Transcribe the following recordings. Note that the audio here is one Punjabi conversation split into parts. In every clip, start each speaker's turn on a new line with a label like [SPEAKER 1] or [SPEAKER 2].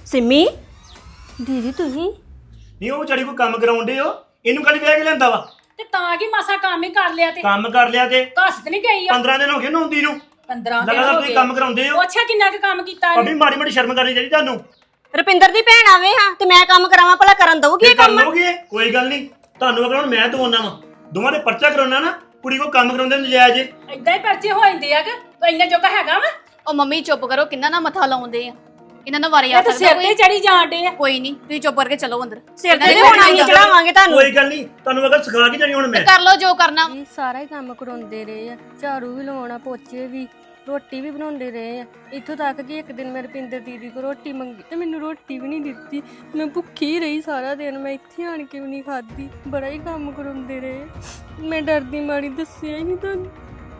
[SPEAKER 1] सिमी दीदी तुही
[SPEAKER 2] नहीं वो बेचारी को काम कराउंडे हो इनू कल ਵਿਆਹ ਕੇ ਲੈਂਦਾ ਵਾ
[SPEAKER 3] ਤੇ ਤਾਂ ਕੀ ਮਾਸਾ ਕੰਮ ਹੀ ਕਰ ਲਿਆ ਤੇ
[SPEAKER 2] ਕੰਮ ਕਰ ਲਿਆ ਤੇ
[SPEAKER 3] ਘਸ ਤੇ ਨਹੀਂ ਗਈ ਆ
[SPEAKER 2] 15 ਦਿਨ ਹੋ ਗਏ ਨੌਂਦੀ ਨੂੰ
[SPEAKER 3] 15 ਦਿਨ
[SPEAKER 2] ਲਗਾਤਾਰ
[SPEAKER 3] ਹੋ
[SPEAKER 2] ਤੁਸੀਂ
[SPEAKER 3] ਗਏ
[SPEAKER 2] ਕੰਮ ਕਰਾਉਂਦੇ ਹੋ
[SPEAKER 3] ਪੁੱਛਿਆ ਕਿੰਨਾ ਕੁ ਕੰਮ ਕੀਤਾ
[SPEAKER 2] ਭਾਬੀ ਮਾੜੀ ਮਾੜੀ ਸ਼ਰਮ ਕਰਨੀ ਚਾਹੀਦੀ ਤੁਹਾਨੂੰ
[SPEAKER 1] ਰੁਪਿੰਦਰ ਦੀ ਭੈਣ ਆਵੇ ਹਾਂ ਤੇ ਮੈਂ ਕੰਮ ਕਰਾਵਾਂ ਭਲਾ ਕਰਨ ਦਊਗੀ ਇਹ ਕੰਮ
[SPEAKER 2] ਕਰਨੋਗੇ ਕੋਈ ਗੱਲ ਨਹੀਂ ਤੁਹਾਨੂੰ ਅਗਰ ਹੁਣ ਮੈਂ ਦਵਾਉਣਾ ਵਾ ਦੋਵਾਂ ਦੇ ਪਰਚਾ ਕਰਾਉਣਾ ਨਾ ਕੁੜੀ ਕੋ ਕੰਮ ਕਰਾਉਂਦੇ ਨਜਾਇਜ਼
[SPEAKER 3] ਏਦਾਂ ਹੀ ਪਰਚੇ ਹੋ ਜਾਂਦੇ ਆ ਕਿ ਇੰਨਾ ਜੋਗਾ ਹੈਗਾ ਵਾ
[SPEAKER 4] ਉਹ ਮੰਮੀ ਚੁੱਪ ਕਰੋ ਕਿੰਨਾ ਨਾ ਮੱਥਾ ਲਾਉਂਦੇ ਆ ਇਹਨਾਂ ਨੂੰ ਵਾਰੀ ਆ
[SPEAKER 3] ਇਹ ਤਾਂ ਸਿਰ ਤੇ ਚੜੀ ਜਾਂਦੇ ਆ
[SPEAKER 4] ਕੋਈ ਨਹੀਂ ਤੁਸੀਂ ਚੁੱਪ ਕਰਕੇ ਚਲੋ ਅੰਦਰ
[SPEAKER 1] ਸਿਰ ਤੇ ਹੁਣ ਅਸੀਂ ਚੜਾਵਾਂਗੇ ਤੁਹਾਨੂੰ
[SPEAKER 2] ਕੋਈ ਗੱਲ ਨਹੀਂ ਤੁਹਾਨੂੰ ਅਗਰ ਸਿਖਾ ਕੇ ਜਾਣੀ ਹੁਣ ਮੈਂ
[SPEAKER 4] ਕਰ ਲਓ ਜੋ ਕਰਨਾ
[SPEAKER 5] ਇਹ ਸਾਰਾ ਹੀ ਕੰਮ ਕਰਾਉਂਦੇ ਰਹੇ ਆ ਝਾੜੂ ਵੀ ਲਵਾਉਣਾ ਪੋਚੇ ਵੀ ਰੋਟੀ ਵੀ ਬਣਾਉਂਦੇ ਰਹੇ ਆ ਇੱਥੋਂ ਤੱਕ ਕਿ ਇੱਕ ਦਿਨ ਮੈਂ ਰੁਪਿੰਦਰ ਦੀਦੀ ਕੋ ਰੋਟੀ ਮੰਗੀ ਤੇ ਮੈਨੂੰ ਰੋਟੀ ਵੀ ਨਹੀਂ ਦਿੱਤੀ ਮੈਂ ਭੁੱਖੀ ਰਹੀ ਸਾਰਾ ਦਿਨ ਮੈਂ ਇੱਥੇ ਆਣ ਕੇ ਵੀ ਨਹੀਂ ਖਾਧੀ ਬੜਾ ਹੀ ਕੰਮ ਕਰਾਉਂਦੇ ਰਹੇ ਮੈਂ ਡਰਦੀ ਮਾਰੀ ਦੱਸਿਆ ਹੀ ਨਹੀਂ ਤੁਹਾਨੂੰ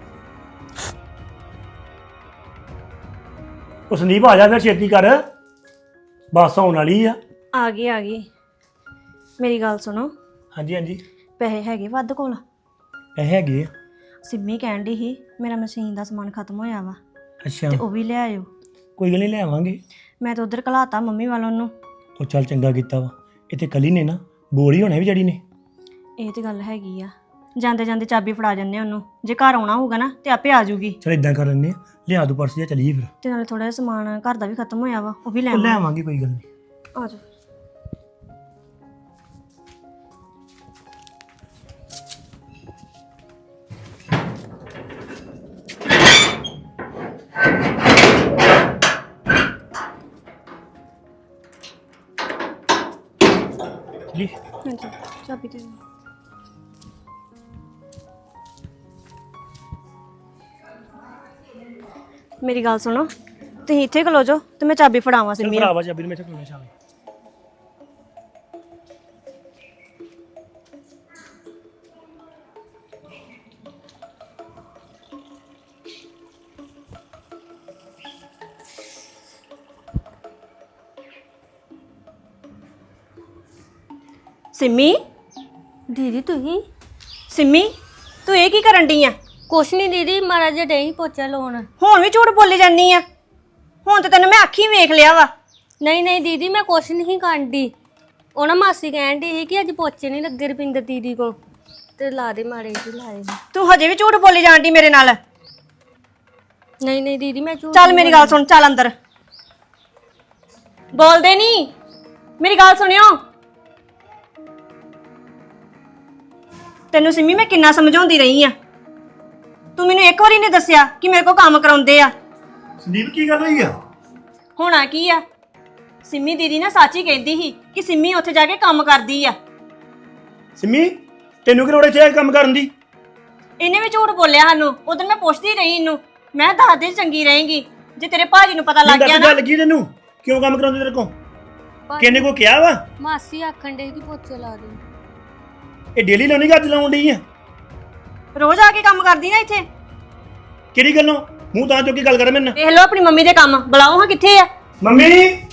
[SPEAKER 2] ਉਹ ਸੰਦੀਪ ਆ ਜਾ ਫਿਰ ਛੇਤੀ ਕਰ ਬੱਸ ਆਉਣ ਵਾਲੀ ਆ
[SPEAKER 1] ਗਈ ਮੇਰੀ ਗੱਲ ਸੁਣੋ
[SPEAKER 2] ਹਾਂਜੀ ਹਾਂਜੀ
[SPEAKER 1] ਪੈਸੇ ਹੈਗੇ ਵੱਧ ਕੋਲ
[SPEAKER 2] ਇਹ ਹੈਗੇ ਆ
[SPEAKER 1] ਸਿੰਮੀ ਕਹਿਣ ਦੀ ਸੀ ਮੇਰਾ ਮਸ਼ੀਨ ਦਾ ਸਮਾਨ ਖਤਮ ਹੋਇਆ ਵਾ
[SPEAKER 2] ਅੱਛਾ
[SPEAKER 1] ਤੇ ਉਹ ਵੀ ਲੈ ਆਇਓ
[SPEAKER 2] ਕੋਈ ਗੱਲ ਨਹੀਂ ਲੈ ਆਵਾਂਗੇ
[SPEAKER 1] ਮੈਂ ਤਾਂ ਉਧਰ ਘਲਾਤਾ ਮੰਮੀ ਵੱਲੋਂ ਨੂੰ
[SPEAKER 2] ਉਹ ਚੱਲ ਚੰਗਾ ਕੀਤਾ ਵਾ ਇੱਥੇ ਕਲੀ ਨੇ ਨਾ ਬੋਲ ਹੀ ਹੋਣਾ ਵੀ ਜੜੀ ਨੇ
[SPEAKER 1] ਇਹ ਤੇ ਗੱਲ ਹੈਗੀ ਆ ਜਾਂਦੇ ਜਾਂਦੇ ਚਾਬੀ ਫੜਾ ਜੰਨੇ ਉਹਨੂੰ ਜੇ ਘਰ ਆਉਣਾ ਹੋਊਗਾ ਨਾ ਤੇ ਆਪੇ ਆ ਜਾਊਗੀ
[SPEAKER 2] ਚਲ ਇਦਾਂ ਕਰ ਲੈਂਦੇ ਆ ਲਿਆ ਦੋ ਪਰਸ ਜਾਂ ਚਲੀਏ ਫਿਰ
[SPEAKER 1] ਤੇ ਨਾਲੇ ਥੋੜਾ ਜਿਹਾ ਸਮਾਨ ਘਰ ਦਾ ਵੀ ਖਤਮ ਹੋਇਆ ਵਾ ਉਹ ਵੀ ਲੈ
[SPEAKER 2] ਉਹ ਲੈ
[SPEAKER 1] ਆਵਾਂਗੇ
[SPEAKER 2] ਆਵਾਂਗੇ ਕੋਈ ਗੱਲ ਨਹੀਂ
[SPEAKER 1] ਆ ਜਾਓ
[SPEAKER 2] ਚਲੀ
[SPEAKER 1] ਹਾਂਜੀ ਚਾਬੀ ਦੇ ਦਿਓ ਮੇਰੀ ਗੱਲ ਸੁਣੋ ਤੁਸੀਂ ਇੱਥੇ ਖਲੋ ਜਾਓ ਤੇ ਮੈਂ ਚਾਬੀ ਫੜਾਵਾਂ
[SPEAKER 2] ਚਲ
[SPEAKER 1] ਸਿੰਮੀ ਨੂੰ।
[SPEAKER 2] ਭਰਾਵਾ ਚਾਬੀ ਨੂੰ ਮੈਂ ਇੱਥੇ ਖਲੋਣਾ ਸ਼ਾਮੇ
[SPEAKER 1] ਸਿੰਮੀ
[SPEAKER 5] ਦੀਦੀ ਤੁਸੀਂ
[SPEAKER 1] ਸਿੰਮੀ ਤੂੰ ਇਹ ਕੀ ਕਰਨ ਡਈ ਆ
[SPEAKER 5] ਕੁਛ ਨਹੀਂ ਦੀਦੀ ਮਾੜਾ ਜਿਹਾ ਡਈ ਪੋਚਾ ਲਾਉਣ
[SPEAKER 1] ਹੁਣ ਵੀ ਝੂਠ ਬੋਲੀ ਜਾਂਦੀ ਆ ਹੁਣ ਤੇ ਤੈਨੂੰ ਮੈਂ ਅੱਖੀਂ ਵੇਖ ਲਿਆ ਵਾ
[SPEAKER 5] ਨਹੀਂ ਨਹੀਂ ਦੀਦੀ ਮੈਂ ਕੁਛ ਨਹੀਂ ਕਰਦੀ ਉਹ ਨਾ ਮਾਸੀ ਕਹਿਣ ਦੀ ਸੀ ਕਿ ਅੱਜ ਪੋਚੇ ਨਹੀਂ ਲੱਗੇ ਰੁਪਿੰਦਰ ਦੀਦੀ ਕੋ ਤੇ ਲਾ ਦੇ ਮਾੜੇ ਜੀ ਲਾ ਦੇ
[SPEAKER 1] ਤੂੰ ਹਜੇ ਵੀ ਝੂਠ ਬੋਲੀ ਜਾਂਦੀ ਮੇਰੇ ਨਾਲ
[SPEAKER 5] ਨਹੀਂ ਨਹੀਂ ਦੀਦੀ ਮੈਂ ਝੂਠ
[SPEAKER 1] ਚੱਲ ਮੇਰੀ ਗੱਲ ਸੁਣ ਚੱਲ ਅੰਦਰ ਬੋਲਦੇ ਨਹੀਂ ਮੇਰੀ ਗੱਲ ਸੁਣਿਓ ਤੈਨੂੰ ਸਿੰਮੀ ਮੈਂ ਕਿੰਨਾ ਸਮਝਾਉਂਦੀ ਰਹੀ ਆ ਤੂੰ ਮੈਨੂੰ ਇੱਕ ਵਾਰੀ ਨਹੀਂ ਦੱਸਿਆ ਕਿ ਮੇਰੇ ਕੋਲ ਕੰਮ ਕਰਾਉਂਦੇ ਆ
[SPEAKER 2] ਸੰਦੀਪ ਕੀ ਗੱਲ ਹੋਈ ਆ
[SPEAKER 1] ਹੋਣਾ ਕੀ ਆ ਸਿੰਮੀ ਦੀਦੀ ਨਾ ਸੱਚ ਹੀ ਕਹਿੰਦੀ ਸੀ ਕਿ ਸਿੰਮੀ ਉੱਥੇ ਜਾ ਕੇ ਕੰਮ ਕਰਦੀ ਆ
[SPEAKER 2] ਸਿੰਮੀ ਤੈਨੂੰ ਕਿ ਲੋੜ ਇੱਥੇ ਆ ਕੇ ਕੰਮ ਕਰਨ ਦੀ
[SPEAKER 1] ਇਹਨੇ ਵੀ ਝੂਠ ਬੋਲਿਆ ਸਾਨੂੰ ਉਦੋਂ ਮੈਂ ਪੁੱਛਦੀ ਰਹੀ ਇਹਨੂੰ ਮੈਂ ਦੱਸ ਦੇ ਚੰਗੀ ਰਹੇਗੀ ਜੇ ਤੇਰੇ ਭਾਜੀ ਨੂੰ ਪਤਾ ਲੱਗ ਗਿਆ
[SPEAKER 2] ਦੱਸ
[SPEAKER 1] ਨਾ
[SPEAKER 2] ਗੱਲ ਲੱਗੀ ਤੈਨੂੰ ਕਿਉਂ ਕੰਮ ਕਰਾਉਂਦੇ ਤੇਰੇ ਕੋਲ ਕਿਹਨੇ ਕੋ ਕਿਹਾ ਵਾ
[SPEAKER 5] ਮਾਸੀ ਆਖਣ ਦੇ ਕਿ ਪੋਚੇ ਲਾ ਦੇ
[SPEAKER 2] ਇਹ ਡੇਲੀ ਲਾਉਣੀ ਗੱਜ ਲਾਉਣ ਡਈ ਆ
[SPEAKER 1] ਰੋਜ਼ ਆ ਕੇ ਕੰਮ ਕਰਦੀ ਨਾ ਇੱਥੇ
[SPEAKER 2] ਕਿਹੜੀ ਗੱਲੋਂ ਮੂੰਹ ਤਾਂ ਚੁੱਕ ਕੇ ਗੱਲ ਕਰ ਮੈਨਾਂ
[SPEAKER 1] ਦੇਖ ਲਓ ਆਪਣੀ ਮੰਮੀ ਦੇ ਕੰਮ ਬੁਲਾਓ ਹਾਂ ਕਿੱਥੇ ਆ
[SPEAKER 2] ਮੰਮੀ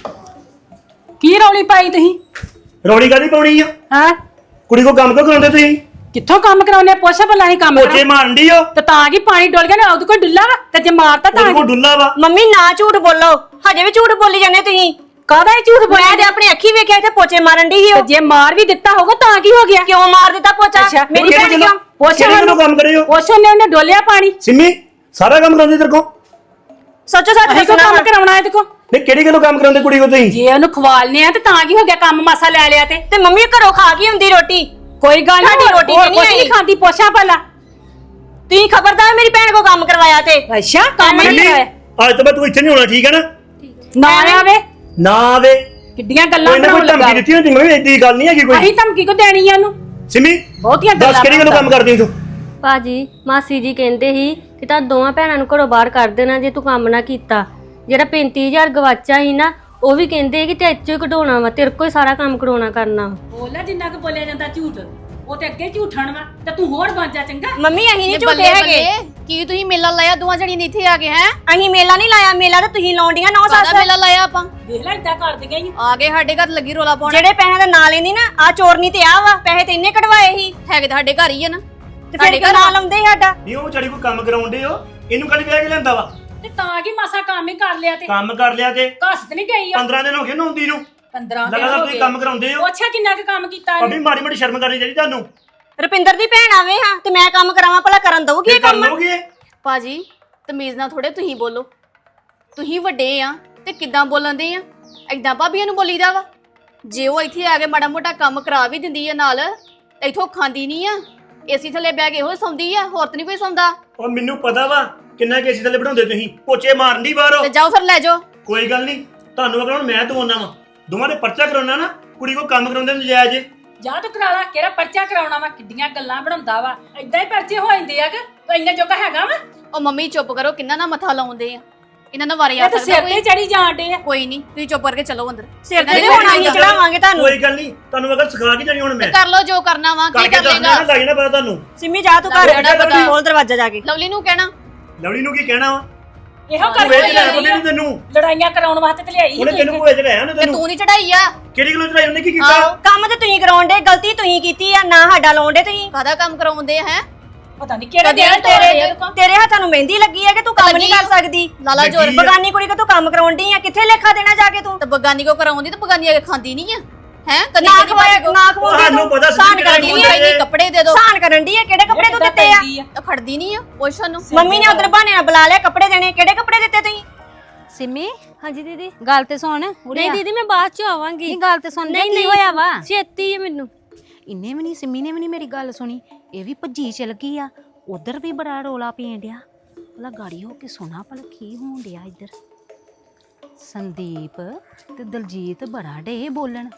[SPEAKER 3] ਕੀ ਰੌਲੀ ਪਾਈ ਤੁਸੀਂ
[SPEAKER 2] ਰੋੜੀ ਕਾਦੀ ਪਾਉਣੀ ਆ
[SPEAKER 3] ਹਾਂ
[SPEAKER 2] ਕੁੜੀ ਕੋ ਕੰਮ ਕਿਉਂ ਕਰਾਉਂਦੇ ਤੁਸੀਂ
[SPEAKER 3] ਕਿੱਥੋਂ ਕੰਮ ਕਰਾਉਣੇ ਪੁੱਛ ਭਲਾ ਨਹੀਂ ਕੰਮ
[SPEAKER 2] ਪੋਚੇ ਮਾਰਨ ਡਈ ਓ
[SPEAKER 3] ਤੇ ਤਾਂ ਕੀ ਪਾਣੀ ਡੋਲ ਗਿਆ ਨਾ ਉਹਦੇ ਕੋਲ ਡੁੱਲਾ ਵਾ ਤੇ ਜੇ ਮਾਰਤਾ ਤਾਂ
[SPEAKER 2] ਉਹਦੇ ਕੋ ਡੁੱਲਾ ਵਾ
[SPEAKER 1] ਮੰਮੀ ਨਾ ਝੂਠ ਬੋਲੋ ਹਜੇ ਵੀ ਝੂਠ ਬੋਲੀ ਜਾਂਦੇ ਤੁਸੀਂ
[SPEAKER 3] ਕਾਹਦਾ ਇਹ ਝੂਠ ਬੋਲਿਆ
[SPEAKER 1] ਮੈਂ ਤੇ ਆਪਣੀ ਅੱਖੀ ਵੇਖਿਆ ਇੱਥੇ ਪੋਚੇ ਮਾਰਨ ਦੀ ਸੀ
[SPEAKER 3] ਤੇ
[SPEAKER 1] ਉਹ
[SPEAKER 3] ਜੇ ਮਾਰ ਵੀ ਦਿੱਤਾ ਹੋਗਾ ਤਾਂ ਕੀ ਹੋ ਗਿਆ
[SPEAKER 1] ਕਿਉਂ ਮਾਰ ਦਿੱਤਾ ਪੋਚਾ ਮੇਰੀ ਭੈਣ ਕਿਉਂ
[SPEAKER 3] ਪੁੱਛ
[SPEAKER 2] ਕਿਹੜੇ ਕੋਲੋਂ ਕੰਮ ਕਰੇ ਹੋ
[SPEAKER 3] ਪੁੱਛ ਉਹਨੇ ਡੋਲਿਆ ਪਾਣੀ
[SPEAKER 2] ਸਿੰਮੀ ਸਾਰਾ ਕੰਮ ਕਰਾਉਂਦੇ ਤੇਰੇ ਕੋ
[SPEAKER 1] ਸੱਚੋ ਸੱਚ
[SPEAKER 3] ਅਸੀਂ ਕੋ
[SPEAKER 1] ਦੱਸਣਾ
[SPEAKER 3] ਕੰਮ ਕਰਾਉਣਾ ਇਹਦੇ ਕੋ
[SPEAKER 2] ਨਹੀਂ ਕਿਹੜੀ ਗੱਲੋਂ ਕੰਮ ਕਰਾਉਂਦੇ ਕੁੜੀ ਕੋ ਤੁਸੀਂ
[SPEAKER 3] ਜੇ ਉਹਨੂੰ ਖਵਾਲਨੇ ਆ ਤੇ ਤਾਂ ਕੀ ਹੋ ਗਿਆ ਕੰਮ ਮਾਸਾ ਲੈ ਲਿਆ ਤੇ
[SPEAKER 1] ਮੰਮੀ ਘਰੋਂ ਖਾ ਕੇ ਹੁੰਦੀ ਰੋਟੀ
[SPEAKER 3] ਕੋਈ ਗੱਲ
[SPEAKER 1] ਸਾਡੀ
[SPEAKER 3] ਨਹੀਂ
[SPEAKER 1] ਰੋਟੀ ਤੇ ਨਹੀਂ
[SPEAKER 3] ਕੁਛ
[SPEAKER 1] ਆਈ।
[SPEAKER 3] ਖਾਂਦੀ ਪੁੱਛਾ ਭਲਾ
[SPEAKER 1] ਤੁਸੀਂ ਖਬਰਦਾਰ ਮੇਰੀ ਭੈਣ ਕੋ ਕੰਮ ਕਰਵਾਇਆ ਤੇ
[SPEAKER 3] ਅੱਛਾ ਕੰਮ ਨਹੀਂ
[SPEAKER 2] ਸਿੰਮੀ,
[SPEAKER 3] ਕਰਾਇਆ
[SPEAKER 2] ਅੱਜ ਤੋਂ ਬਾਅਦ ਤੂੰ ਇੱਥੇ ਨਹੀਂ ਹੋਣਾ ਠੀਕ ਹੈ ਨਾ
[SPEAKER 3] ਨਾ ਆਵੇ
[SPEAKER 2] ਨਾ ਆਵੇ
[SPEAKER 3] ਕਿੱਡੀਆਂ ਗੱਲਾਂ
[SPEAKER 2] ਕੋਈ ਨਾ
[SPEAKER 3] ਬਣਾਉਣ
[SPEAKER 2] ਕੋਈ
[SPEAKER 3] ਲੱਗਾ
[SPEAKER 2] ਧਮਕੀ ਦਿੱਤੀ ਹੁੰਦੀ ਮੈਂ ਏਡੀ ਗੱਲ ਨਹੀਂ ਹੈਗੀ ਕੋਈ
[SPEAKER 3] ਅਸੀਂ ਧਮਕੀ ਕੋ ਦੇਣੀ ਆ ਉਹਨੂੰ
[SPEAKER 2] ਸਿੰਮੀ
[SPEAKER 3] ਬਹੁਤੀਆਂ
[SPEAKER 2] ਦੱਸ
[SPEAKER 3] ਗੱਲਾਂ
[SPEAKER 2] ਕਿਹੜੀ ਗੱਲੋਂ ਕੰਮ ਕਰਦੀ ਤੂੰ
[SPEAKER 5] ਭਾਜੀ ਮਾਸੀ ਜੀ ਕਹਿੰਦੇ ਸੀ ਕਿ ਤਾਂ ਦੋਵਾਂ ਭੈਣਾਂ ਨੂੰ ਘਰੋਂ ਬਾਹਰ ਕਰ ਦੇਣਾ ਜੇ ਤੂੰ ਕੰਮ ਨਾ ਕੀਤਾ ਜਿਹੜਾ 35000 ਗਵਾਚਾ ਸੀ ਨਾ ਉਹ ਵੀ ਕਹਿੰਦੇ ਕਿ ਤੇ ਇੱਚੋ ਹੀ ਕਢਾਉਣਾ ਵਾ ਤੇਰੇ ਕੋਲ ਹੀ ਸਾਰਾ ਕੰਮ ਕਰਾਉਣਾ ਕਰਨਾ
[SPEAKER 3] ਬੋਲਾ ਜਿੰਨਾ ਕੁ ਬੋਲਿਆ ਜਾਂਦਾ ਝੂਠ ਉਹ ਤੇ ਅੱਗੇ ਝੂਠਣ ਵਾ ਤੇ ਤੂੰ ਹੋਰ ਬਣ ਜਾ ਚੰਗਾ
[SPEAKER 1] ਮੰਮੀ ਅਸੀਂ ਨਹੀਂ ਝੂਠੇ
[SPEAKER 4] ਬੱਲੇ
[SPEAKER 1] ਹੈਗੇ
[SPEAKER 4] ਬੱਲੇ ਕੀ ਤੁਸੀਂ ਮੇਲਾ ਲਾਇਆ ਦੋਵਾਂ ਜਣੀਆਂ ਨੇ ਇੱਥੇ ਆ ਕੇ ਹੈ
[SPEAKER 1] ਅਸੀਂ ਮੇਲਾ ਨਹੀਂ ਲਾਇਆ ਮੇਲਾ ਤਾਂ ਤੁਸੀਂ ਲਾਉਂਦੀਆਂ ਨੌ ਸੱਸ
[SPEAKER 4] ਕਾਹਦਾ ਮੇਲਾ ਲਾਇਆ ਆਪਾਂ
[SPEAKER 3] ਦੇਖ ਲੈ ਇਦਾਂ ਕਰਦੀਆਂ ਹੀ
[SPEAKER 4] ਆ ਗਏ ਸਾਡੇ ਘਰ ਲੱਗੀ ਰੋਲਾ ਪਾਉਣ
[SPEAKER 1] ਜਿਹੜੇ ਪੈਸੇ ਦਾ ਨਾਂ ਲੈਂਦੀ ਨਾ ਆ ਚੋਰਨੀ ਤੇ ਆ ਵਾ ਪੈਸੇ ਤੇ ਇੰਨੇ ਕਢਵਾਏ ਸੀ
[SPEAKER 4] ਹੈਗੇ ਤਾਂ ਸਾਡੇ ਘਰ ਹੀ ਆ ਨਾ
[SPEAKER 1] ਤੇ ਫਿਰ ਕਿਉਂ ਨਾਂ ਲਾਉਂਦੇ ਸੀ ਸਾਡਾ
[SPEAKER 2] ਨਹੀਂ ਉਹ ਵਿਚਾਰੀ ਕੋ ਕੰਮ ਕਰਾਉਂਦੇ ਹੋ ਇਹਨੂੰ ਕੱਲ ਵਿਆਹ ਕੇ ਲੈਂਦਾ ਵਾ
[SPEAKER 3] ਤੇ ਤਾਂ ਕੀ ਮਾਸਾ ਕੰਮ ਹੀ ਕਰ ਲਿਆ ਤੇ
[SPEAKER 2] ਕੰਮ ਕਰ ਲਿਆ ਤੇ
[SPEAKER 3] ਘਸ ਤੇ ਨਹੀਂ ਗਈ ਆ
[SPEAKER 2] 15 ਦਿਨ ਹੋ ਗਏ ਨਹਾਉਂਦੀ ਨੂੰ
[SPEAKER 3] 15 ਦਿਨ
[SPEAKER 2] ਲਗਾਤਾਰ
[SPEAKER 3] ਹੋ
[SPEAKER 2] ਤੁਸੀਂ
[SPEAKER 3] ਗਏ
[SPEAKER 2] ਕੰਮ ਕਰਾਉਂਦੇ ਹੋ
[SPEAKER 3] ਅੱਛਾ ਕਿੰਨਾ ਕੁ ਕੰਮ ਕੀਤਾ
[SPEAKER 2] ਭਾਬੀ ਮਾੜੀ ਮਾੜੀ ਸ਼ਰਮ ਕਰਨੀ ਚਾਹੀਦੀ ਤੁਹਾਨੂੰ
[SPEAKER 1] ਰੁਪਿੰਦਰ ਦੀ ਭੈਣ ਆਵੇ ਹਾਂ ਤੇ ਮੈਂ ਕੰਮ ਕਰਾਵਾਂ ਭਲਾ ਕਰਨ ਦਊਗੀ ਇਹ
[SPEAKER 2] ਕਰ
[SPEAKER 1] ਕੰਮ
[SPEAKER 2] ਲਓਗੇ
[SPEAKER 4] ਭਾਜੀ ਤਮੀਜ਼ ਨਾਲ ਥੋੜੇ ਤੁਸੀਂ ਬੋਲੋ। ਤੁਸੀਂ ਵੱਡੇ ਆ ਤੇ ਕਿੱਦਾਂ ਬੋਲਣਦੇ ਆ? ਏਦਾਂ ਭਾਬੀਆਂ ਨੂੰ ਬੋਲੀਦਾ ਵਾ? ਜੇ ਉਹ ਇੱਥੇ ਆ ਕੇ ਮਾੜਾ ਮੋਟਾ ਕੰਮ ਕਰਾ ਵੀ ਦਿੰਦੀ ਆ ਨਾਲ ਤੇ ਇਥੋਂ ਖਾਂਦੀ ਨਹੀਂ ਆ, ਏਸੀ ਥੱਲੇ ਬਹਿ ਕੇ ਇਹੋ ਸੌਂਦੀ ਆ, ਹੋਰ ਤਾਂ ਨਹੀਂ ਕੋਈ ਸੌਂਦਾ।
[SPEAKER 2] ਉਹ ਮੈਨੂੰ ਪਤਾ ਵਾ ਕਿੰਨਾ ਕੇਸੀ ਥੱਲੇ ਬਿਠਾਉਂਦੇ ਤੁਸੀਂ ਪੋਚੇ ਮਾਰਨ ਦੀ ਬਾਹਰੋਂ
[SPEAKER 4] ਤੇ ਜਾਓ ਫਿਰ ਲੈ ਜਾਓ।
[SPEAKER 2] ਕੋਈ ਗੱਲ ਨਹੀਂ ਤੁਹਾਨੂੰ ਅਗਰ ਹੁਣ ਮੈਂ ਦਵਾਉਣਾ ਵਾ ਦੋਵਾਂ ਦੇ ਪਰਚਾ ਕਰਾਉਣਾ ਨਾ ਕੁੜੀ ਕੋ ਕੰਮ ਕਰਾਉਂਦੇ ਨਜਾਇਜ਼
[SPEAKER 3] ਜਾ ਤੂੰ ਕਰਾ ਲਾ ਕਿਹੜਾ ਪਰਚਾ ਕਰਾਉਣਾ ਵਾ ਕਿੱਡੀਆਂ ਗੱਲਾਂ ਬਣਾਉਂਦਾ ਵਾ ਏਦਾਂ ਹੀ ਪਰਚੇ ਹੋ ਜਾਂਦੇ ਆ ਕਿ ਇੰਨਾ ਜੋਗਾ ਹੈਗਾ ਵਾ
[SPEAKER 4] ਉਹ ਮੰਮੀ ਚੁੱਪ ਕਰੋ, ਕਿੰਨਾ ਨਾ ਮੱਥਾ ਲਾਉਂਦੇ ਆ ਇਹਨਾਂ ਨੂੰ ਵਾਰੇ ਆ
[SPEAKER 3] ਇਹ ਤਾਂ ਸਿਰ ਤੇ ਚੜੀ ਜਾਣਦੇ ਆ
[SPEAKER 4] ਕੋਈ ਨਹੀਂ, ਤੁਸੀਂ ਚੁੱਪ ਕਰਕੇ ਚਲੋ ਅੰਦਰ।
[SPEAKER 1] ਸਿਰ ਤੇ ਹੁਣ ਅਸੀਂ ਚੜਾਵਾਂਗੇ ਤੁਹਾਨੂੰ।
[SPEAKER 2] ਕੋਈ ਗੱਲ ਨਹੀਂ ਤੁਹਾਨੂੰ ਅਗਰ ਸਿਖਾ ਕੇ ਜਾਣੀ ਹੁਣ ਮੈਂ
[SPEAKER 4] ਕਰ ਲਓ ਜੋ ਕਰਨਾ ਵਾ, ਕੀ
[SPEAKER 2] ਕਰਕੇ
[SPEAKER 4] ਕਰ
[SPEAKER 2] ਦੱਸਣਾ
[SPEAKER 4] ਲੇਗਾ?
[SPEAKER 2] ਨਾ ਲੱਗ ਜਾਣਾ ਪਤਾ ਤੁਹਾਨੂੰ
[SPEAKER 1] ਸਿੰਮੀ ਜਾ ਤੂੰ ਘਰ
[SPEAKER 4] ਲੱਗ ਜਾਣਾ
[SPEAKER 1] ਖੋਲ ਦਰਵਾਜ਼ਾ ਜਾ ਕੇ।
[SPEAKER 4] ਲਵਲੀ ਨੂੰ ਕਹਿਣਾ
[SPEAKER 2] ਲਵਲੀ ਨੂੰ ਕੀ ਕਹਿਣਾ ਵਾ
[SPEAKER 3] ਇਹੋ
[SPEAKER 2] ਤੂੰ ਵੇਚ ਲੈ
[SPEAKER 3] ਕਰ
[SPEAKER 2] ਉਹਨੇ ਤੈਨੂੰ
[SPEAKER 3] ਲੜਾਈਆਂ ਕਰਾਉਣ ਵਾਸਤੇ ਤੇ ਲਿਆਈ
[SPEAKER 2] ਉਹਨੇ ਤੈਨੂੰ ਭੇਜ ਲਿਆ ਉਹਨੇ
[SPEAKER 4] ਤੇ
[SPEAKER 2] ਤੈਨੂੰ
[SPEAKER 4] ਤੂੰ ਨਹੀਂ ਚੜਾਈ ਆ।
[SPEAKER 2] ਕਿਹੜੀ ਗੱਲੋਂ ਚੜਾਈ ਉਹਨੇ ਕੀ ਕੀਤਾ
[SPEAKER 4] ਆਹੋ,
[SPEAKER 1] ਕੰਮ ਤੇ ਤੁਸੀਂ ਕਰਾਉਣ ਦੇ, ਗਲਤੀ ਤੁਸੀਂ ਕੀਤੀ ਆ, ਨਾ ਸਾਡਾ ਲਾਉਣ ਦੇ ਤੁਸੀਂ।
[SPEAKER 4] ਕਾਹਦਾ ਕੰਮ ਕਰਾਉਂਦੇ ਆ? ਹੈ
[SPEAKER 3] ਪਤਾ ਨਹੀਂ ਕਿਹੜਾ
[SPEAKER 4] ਕਦੇ
[SPEAKER 3] ਦਿਨ
[SPEAKER 1] ਤੇਰੇ ਹੱਥਾਂ ਨੂੰ ਮਹਿੰਦੀ ਲੱਗੀ ਹੈ ਕਿ ਤੂੰ ਕੰਮ ਨਹੀਂ ਕਰ ਸਕਦੀ।
[SPEAKER 4] ਲਾਲਾ ਜੋਰ
[SPEAKER 2] ਲੱਗੀ ਆ।
[SPEAKER 1] ਬਗਾਨੀ ਕੁੜੀ ਕਿ ਤੂੰ ਕੰਮ ਕਰਾਉਣ ਦੀ ਆ, ਕਿੱਥੇ ਲੇਖਾ ਦੇਣਾ ਜਾ ਕੇ ਤੂੰ?
[SPEAKER 4] ਤੇ ਬਗਾਨੀ ਕੋ ਕਰਾਉਂਦੀ ਤੇ ਬਗਾਨੀ ਆ ਕੇ ਖਾਂਦੀ ਨਹੀਂ ਆ। ਹੈ ਕਦੀ
[SPEAKER 1] ਨਾ
[SPEAKER 4] ਕਦੀ
[SPEAKER 1] ਖਵਾਏ ਨਾ ਖਵਾਉਂਦੀ
[SPEAKER 2] ਤੁਹਾਨੂੰ ਪਤਾ ਸੀ
[SPEAKER 1] ਸਾਨ
[SPEAKER 2] ਕਿਹੜਾ
[SPEAKER 1] ਕਰਨ ਦੀ
[SPEAKER 2] ਖਵਾਉਂਦੀ
[SPEAKER 1] ਆ,
[SPEAKER 4] ਨਹੀਂ ਕੱਪੜੇ ਦੇ ਦੋ।
[SPEAKER 1] ਸਾਨ ਕਰਨ ਦੀ ਆ, ਕਿਹੜੇ ਕੱਪੜੇ ਤੂੰ ਦਿੱਤੇ ਆ?
[SPEAKER 4] ਤਾਂ ਖੜਦੀ ਨਹੀਂ ਆ ਪੁੱਛਣ ਨੂੰ।
[SPEAKER 1] ਮੰਮੀ ਨੇ ਉਧਰ ਬਹਾਨੇ ਨਾਲ ਬੁਲਾ ਲਿਆ ਕੱਪੜੇ ਦੇਣੇ, ਕਿਹੜੇ ਕੱਪੜੇ ਦਿੱਤੇ ਤੁਸੀਂ?
[SPEAKER 6] ਸਿੰਮੀ
[SPEAKER 5] ਹਾਂਜੀ ਦੀਦੀ।
[SPEAKER 6] ਗੱਲ ਤੇ ਸੁਣ
[SPEAKER 5] ਨਹੀਂ ਦੀਦੀ ਮੈਂ ਬਾਅਦ ਚ ਆਵਾਂਗੀ।
[SPEAKER 6] ਨਹੀਂ ਗੱਲ ਤੇ ਸੁਣ
[SPEAKER 5] ਨਹੀਂ
[SPEAKER 6] ਕੀ
[SPEAKER 5] ਨਹੀਂ
[SPEAKER 6] ਹੋਇਆ ਵਾ?
[SPEAKER 5] ਛੇਤੀ ਹੈ ਮੈਨੂੰ।
[SPEAKER 6] ਇੰਨੇ ਵੀ ਨਹੀਂ ਸਿੰਮੀ ਨੇ ਵੀ ਨਹੀਂ ਮੇਰੀ ਗੱਲ ਸੁਣੀ, ਇਹ ਵੀ ਭੱਜੀ ਚਲ ਗਈ ਆ। ਉਧਰ ਵੀ ਬੜਾ ਰੋਲਾ ਪੈਣ ਡਿਆ, ਭਲਾ ਗਾੜੀ ਹੋ ਕੇ ਸੁਣਾ ਭਲਾ ਕੀ ਹੋਣ ਡਿਆ ਇੱਧਰ। ਸੰਦੀਪ ਤੇ ਦਲਜੀਤ ਬੜਾ ਡੇ ਬੋਲਣ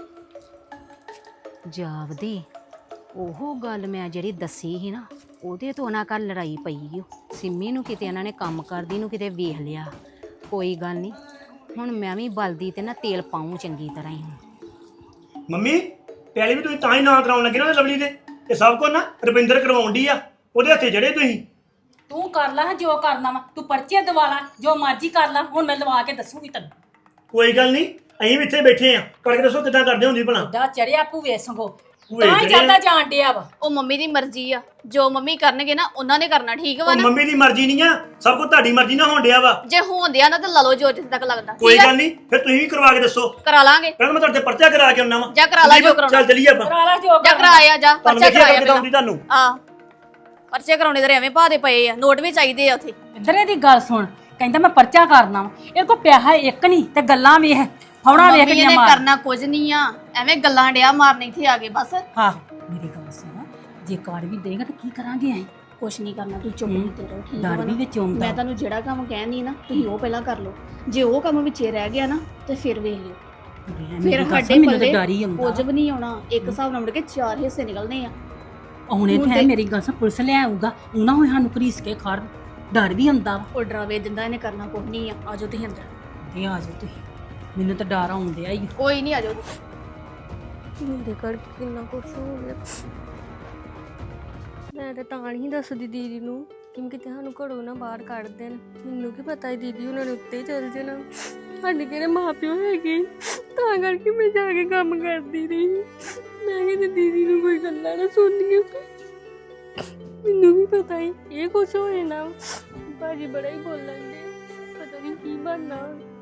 [SPEAKER 6] ਜਾਵਦੀ। ਉਹ ਗੱਲ ਮੈਂ ਜਿਹੜੀ ਦੱਸੀ ਸੀ ਨਾ ਉਹਦੇ ਤੋਂ ਉਹਨਾਂ ਘਰ ਲੜਾਈ ਪਈ ਓ। ਸਿੰਮੀ ਨੂੰ ਕਿਤੇ ਇਹਨਾਂ ਨੇ ਕੰਮ ਕਰਦੀ ਨੂੰ ਕਿਤੇ ਵੇਖ ਲਿਆ। ਕੋਈ ਗੱਲ ਨਹੀਂ, ਹੁਣ ਮੈਂ ਵੀ ਬਲਦੀ ਤੇ ਨਾ ਤੇਲ ਪਾਉਂ ਚੰਗੀ ਤਰ੍ਹਾਂ ਹੀ।
[SPEAKER 2] ਮੰਮੀ ਪਹਿਲੇ ਵੀ ਤੁਸੀਂ ਤਾਂ ਹੀ ਨਾ ਕਰਾਉਣ ਲੱਗੇ ਨਾ ਲਵਲੀ ਦੇ ਇਹ ਸਭ ਕੁਝ ਨਾ ਰੁਪਿੰਦਰ ਕਰਵਾਉਣ ਦੀ ਆ ਉਹਦੇ ਹੱਥੇ ਜੜੇ ਤੁਸੀਂ
[SPEAKER 3] ਤੂੰ ਕਰ ਲੈ ਜੋ ਕਰਨਾ ਵਾ ਤੂੰ ਪਰਚੇ ਦਵਾ ਲਾ ਜੋ ਮਰਜ਼ੀ ਕਰ ਲੈ ਹੁਣ ਮੈਂ ਲਵਾ ਕੇ ਦੱਸੂਗੀ ਤੈਨੂੰ
[SPEAKER 2] ਕੋਈ ਗੱਲ ਨਹੀਂ ਅਸੀਂ ਵੀ ਇੱਥੇ ਬੈਠੇ ਆ ਕਰਕੇ ਦੱਸੋ ਕਿੱਦਾਂ ਕਰਦੇ ਹੁੰਦੀ ਭਲਾ
[SPEAKER 3] ਦਾ ਚੜਿਆ ਭੂਵੇ ਸੰਗੋ
[SPEAKER 2] ਭੂਵੇ
[SPEAKER 3] ਤਾਂ ਹੀ
[SPEAKER 2] ਚੜਿਆ।
[SPEAKER 3] ਜਾਂਦਾ ਜਾਣ ਡਿਆ ਵਾ
[SPEAKER 4] ਉਹ ਮੰਮੀ ਦੀ ਮਰਜ਼ੀ ਆ, ਜੋ ਮੰਮੀ ਕਰਨਗੇ ਨਾ ਉਹਨਾਂ ਨੇ ਕਰਨਾ, ਠੀਕ ਵਾ
[SPEAKER 2] ਉਹ
[SPEAKER 4] ਨਾ?
[SPEAKER 2] ਮੰਮੀ ਦੀ ਮਰਜ਼ੀ ਨਹੀਂ ਆ ਸਭ ਕੁਝ ਤੁਹਾਡੀ ਮਰਜ਼ੀ ਨਾਲ ਹੋਣ ਡਿਆ ਵਾ
[SPEAKER 4] ਜੇ ਹੋਂਦਿਆ ਨਾ ਤੇ ਲਾ ਲਓ ਜੋ ਜਿੱਥੇ ਤੱਕ ਲੱਗਦਾ।
[SPEAKER 2] ਕੋਈ
[SPEAKER 4] ਠੀਕ ਆ?
[SPEAKER 2] ਗੱਲ ਨਹੀਂ ਫਿਰ ਤੁਸੀਂ ਵੀ ਕਰਵਾ ਕੇ ਦੱਸੋ
[SPEAKER 4] ਕਰਾ ਲਾਂਗੇ।
[SPEAKER 2] ਪਹਿਲਾਂ ਮੈਂ ਤੁਹਾਡੇ ਪਰਚਾ ਕਰਾ ਕੇ ਆਉਣਾ ਵਾ
[SPEAKER 4] ਜਾ ਕਰਾ ਲਾ ਜੋ ਕਰਾਉਣਾ।
[SPEAKER 2] ਚੱਲ ਚਲੀਏ ਆਪਾਂ
[SPEAKER 3] ਕਰਾ ਲਾ ਜੋ
[SPEAKER 4] ਜਾ
[SPEAKER 3] ਕਰਨਾ।
[SPEAKER 4] ਕਰਾਇਆ ਜਾ
[SPEAKER 2] ਤੁਹਾਨੂੰ
[SPEAKER 4] ਪਰਚਾ
[SPEAKER 2] ਦੇਖਿਆ
[SPEAKER 4] ਕਰਾਇਆ
[SPEAKER 2] ਕਿਦਾਂ ਆਉਂਦੀ ਤੁਹਾਨੂੰ
[SPEAKER 4] ਆ ਪਰਚੇ ਕਰਾਉਣੇ ਤੇ ਐਵੇਂ ਪਾ ਦੇ ਪਏ ਆ, ਨੋਟ ਵੀ ਚਾਹੀਦੇ ਆ ਉੱਥੇ।
[SPEAKER 3] ਇੱਧਰ ਦੀ ਗੱਲ ਸੁਣ ਕਹਿੰਦਾ ਮੈਂ ਪਰਚਾ ਕਰਨਾ ਵਾ ਇਹ ਕੋ ਪਿਆਹਾ ਇੱਕ ਨਹੀਂ ਤੇ ਗੱਲਾਂ ਵੇਖ ਫੌੜਾ ਵੇਖ
[SPEAKER 4] ਮੰਮੀ
[SPEAKER 3] ਦੀਆਂ
[SPEAKER 4] ਨੇ
[SPEAKER 3] ਮਾਰ
[SPEAKER 4] ਕਰਨਾ ਕੁਝ ਨਹੀਂ ਆ, ਐਵੇਂ ਗੱਲਾਂ ਡਿਆ ਮਾਰਨ ਇੱਥੇ ਆ ਗਏ ਬਸ।
[SPEAKER 3] ਹਾਂ ਮੇਰੀ ਗੱਲ ਸੁਣ ਜੇ ਕਾਰ ਵੀ ਦੇਗਾ ਤਾਂ ਕੀ ਕਰਾਂਗੇ ਐ
[SPEAKER 4] ਕੁਛ ਨਹੀਂ ਕਰਨਾ, ਤੂੰ ਚੁੱਪ ਕੀਤੇ ਰਹੋ, ਠੀਕ
[SPEAKER 3] ਡਰ ਵੀ ਵਿੱਚ ਆਉਂਦਾ
[SPEAKER 4] ਮੈਂ ਤੁਹਾਨੂੰ ਜਿਹੜਾ ਕੰਮ ਕਹਿੰਦੀ ਨਾ ਤੁਸੀਂ ਉਹ ਪਹਿਲਾਂ ਕਰ ਲਓ। ਜੇ ਉਹ ਕੰਮ ਵਿੱਚੇ ਰਹਿ ਗਿਆ ਨਾ ਤੇ ਫਿਰ ਵੇਖ ਲਿਓ। ਫਿਰ ਸਾਡੇ
[SPEAKER 3] ਮੈਨੂੰ ਤਾਂ
[SPEAKER 4] ਪੱਲੇ
[SPEAKER 3] ਡਰ ਹੀ ਆਉਂਦਾ
[SPEAKER 4] ਕੁਝ ਵੀ ਨਹੀਂ ਆਉਣਾ। ਇੱਕ ਹਿਸਾਬ ਨਾਲ ਮੁੜ ਕੇ 4 ਹਿੱਸੇ ਨਿਕਲਨੇ ਆ।
[SPEAKER 3] ਹੁਣੇ
[SPEAKER 4] ਹੁਣ
[SPEAKER 3] ਤੇ
[SPEAKER 4] ਤੇ-
[SPEAKER 3] ਮੇਰੀ ਗੱਲ ਸੁਣ ਪੁਲਿਸ ਲੈ ਆਊਗਾ ਉਹਨਾਂ ਹੋਏ ਸਾਨੂੰ ਘਰੀਸ ਕੇ ਖੜ ਡਰ ਵੀ ਆਉਂਦਾ ਵਾ
[SPEAKER 4] ਉਹ ਡਰਾਵੇ ਦਿੰਦਾ, ਇਹਨੇ ਕਰਨਾ ਕੁਝ ਨਹੀਂ ਆ। ਆਜੋ ਤੁਸੀਂ ਅੰਦਰ।
[SPEAKER 3] ਤੇ ਆ ਜਾਓ ਤੁਸੀਂ ਮੈਨੂੰ ਤਾਂ ਡਰ ਆਉਂਦਿਆ ਹੀ
[SPEAKER 4] ਕੋਈ ਨਹੀਂ, ਆਜੋ।
[SPEAKER 5] ਮੇਰੇ ਕਰਕੇ ਕਿੰਨਾ ਕੁਛ ਹੋ ਗਿਆ। ਮੈਂ ਤਾਂ ਨਹੀਂ ਦੱਸਦੀ ਦੀਦੀ ਨੂੰ ਕਿਉਂਕਿ ਸਾਨੂੰ ਘਰੋਂ ਨਾ ਬਾਹਰ ਕੱਢ ਦੇਣ। ਮੈਨੂੰ ਕੀ ਪਤਾ ਹੈ ਦੀਦੀ ਉਹਨਾਂ ਨੇ ਉੱਤੇ ਚੱਲ ਜਾਣਾ। ਸਾਡੇ ਕਿਹੜੇ ਮਾਪਿਓ ਹੈਗੇ, ਤਾਂ ਕਰਕੇ ਮੈਂ ਜਾ ਕੇ ਕੰਮ ਕਰਦੀ ਰਹੀ। ਮੈਂ ਕਿਤੇ ਦੀਦੀ ਨੂੰ ਕੋਈ ਗੱਲਾਂ ਨਾ ਸੁਣਨੀਆਂ। ਮੈਨੂੰ ਵੀ ਪਤਾ ਹੀ ਇਹ ਕੁਛ ਹੋਏ ਨਾ। ਭਾਜੀ ਬੜਾ ਹੀ ਬੋਲਣ ਦੇ, ਪਤਾ ਨਹੀਂ ਕੀ ਬਣਨਾ।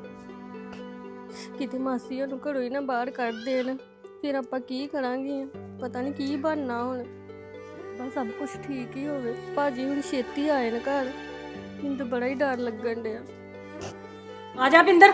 [SPEAKER 5] ਕਿਤੇ ਮਾਸੀ ਨੂੰ ਘਰੋਂ ਹੀ ਨਾ ਬਾਹਰ ਕੱਢ ਦੇਣ, ਫਿਰ ਆਪਾਂ ਕੀ ਕਰਾਂਗੇ। ਪਤਾ ਨਹੀਂ ਕੀ ਬਣਨਾ ਹੁਣ। ਬਸ ਸਭ ਕੁਝ ਠੀਕ ਹੀ ਹੋਵੇ। ਭਾਜੀ ਹੁਣ ਛੇਤੀ ਆਏ ਨਾ ਘਰ, ਮੈਨੂੰ ਤਾਂ ਬੜਾ ਹੀ ਡਰ ਲੱਗਣ ਡਿਆ।
[SPEAKER 3] ਆ ਜਾ ਬਿੰਦਰ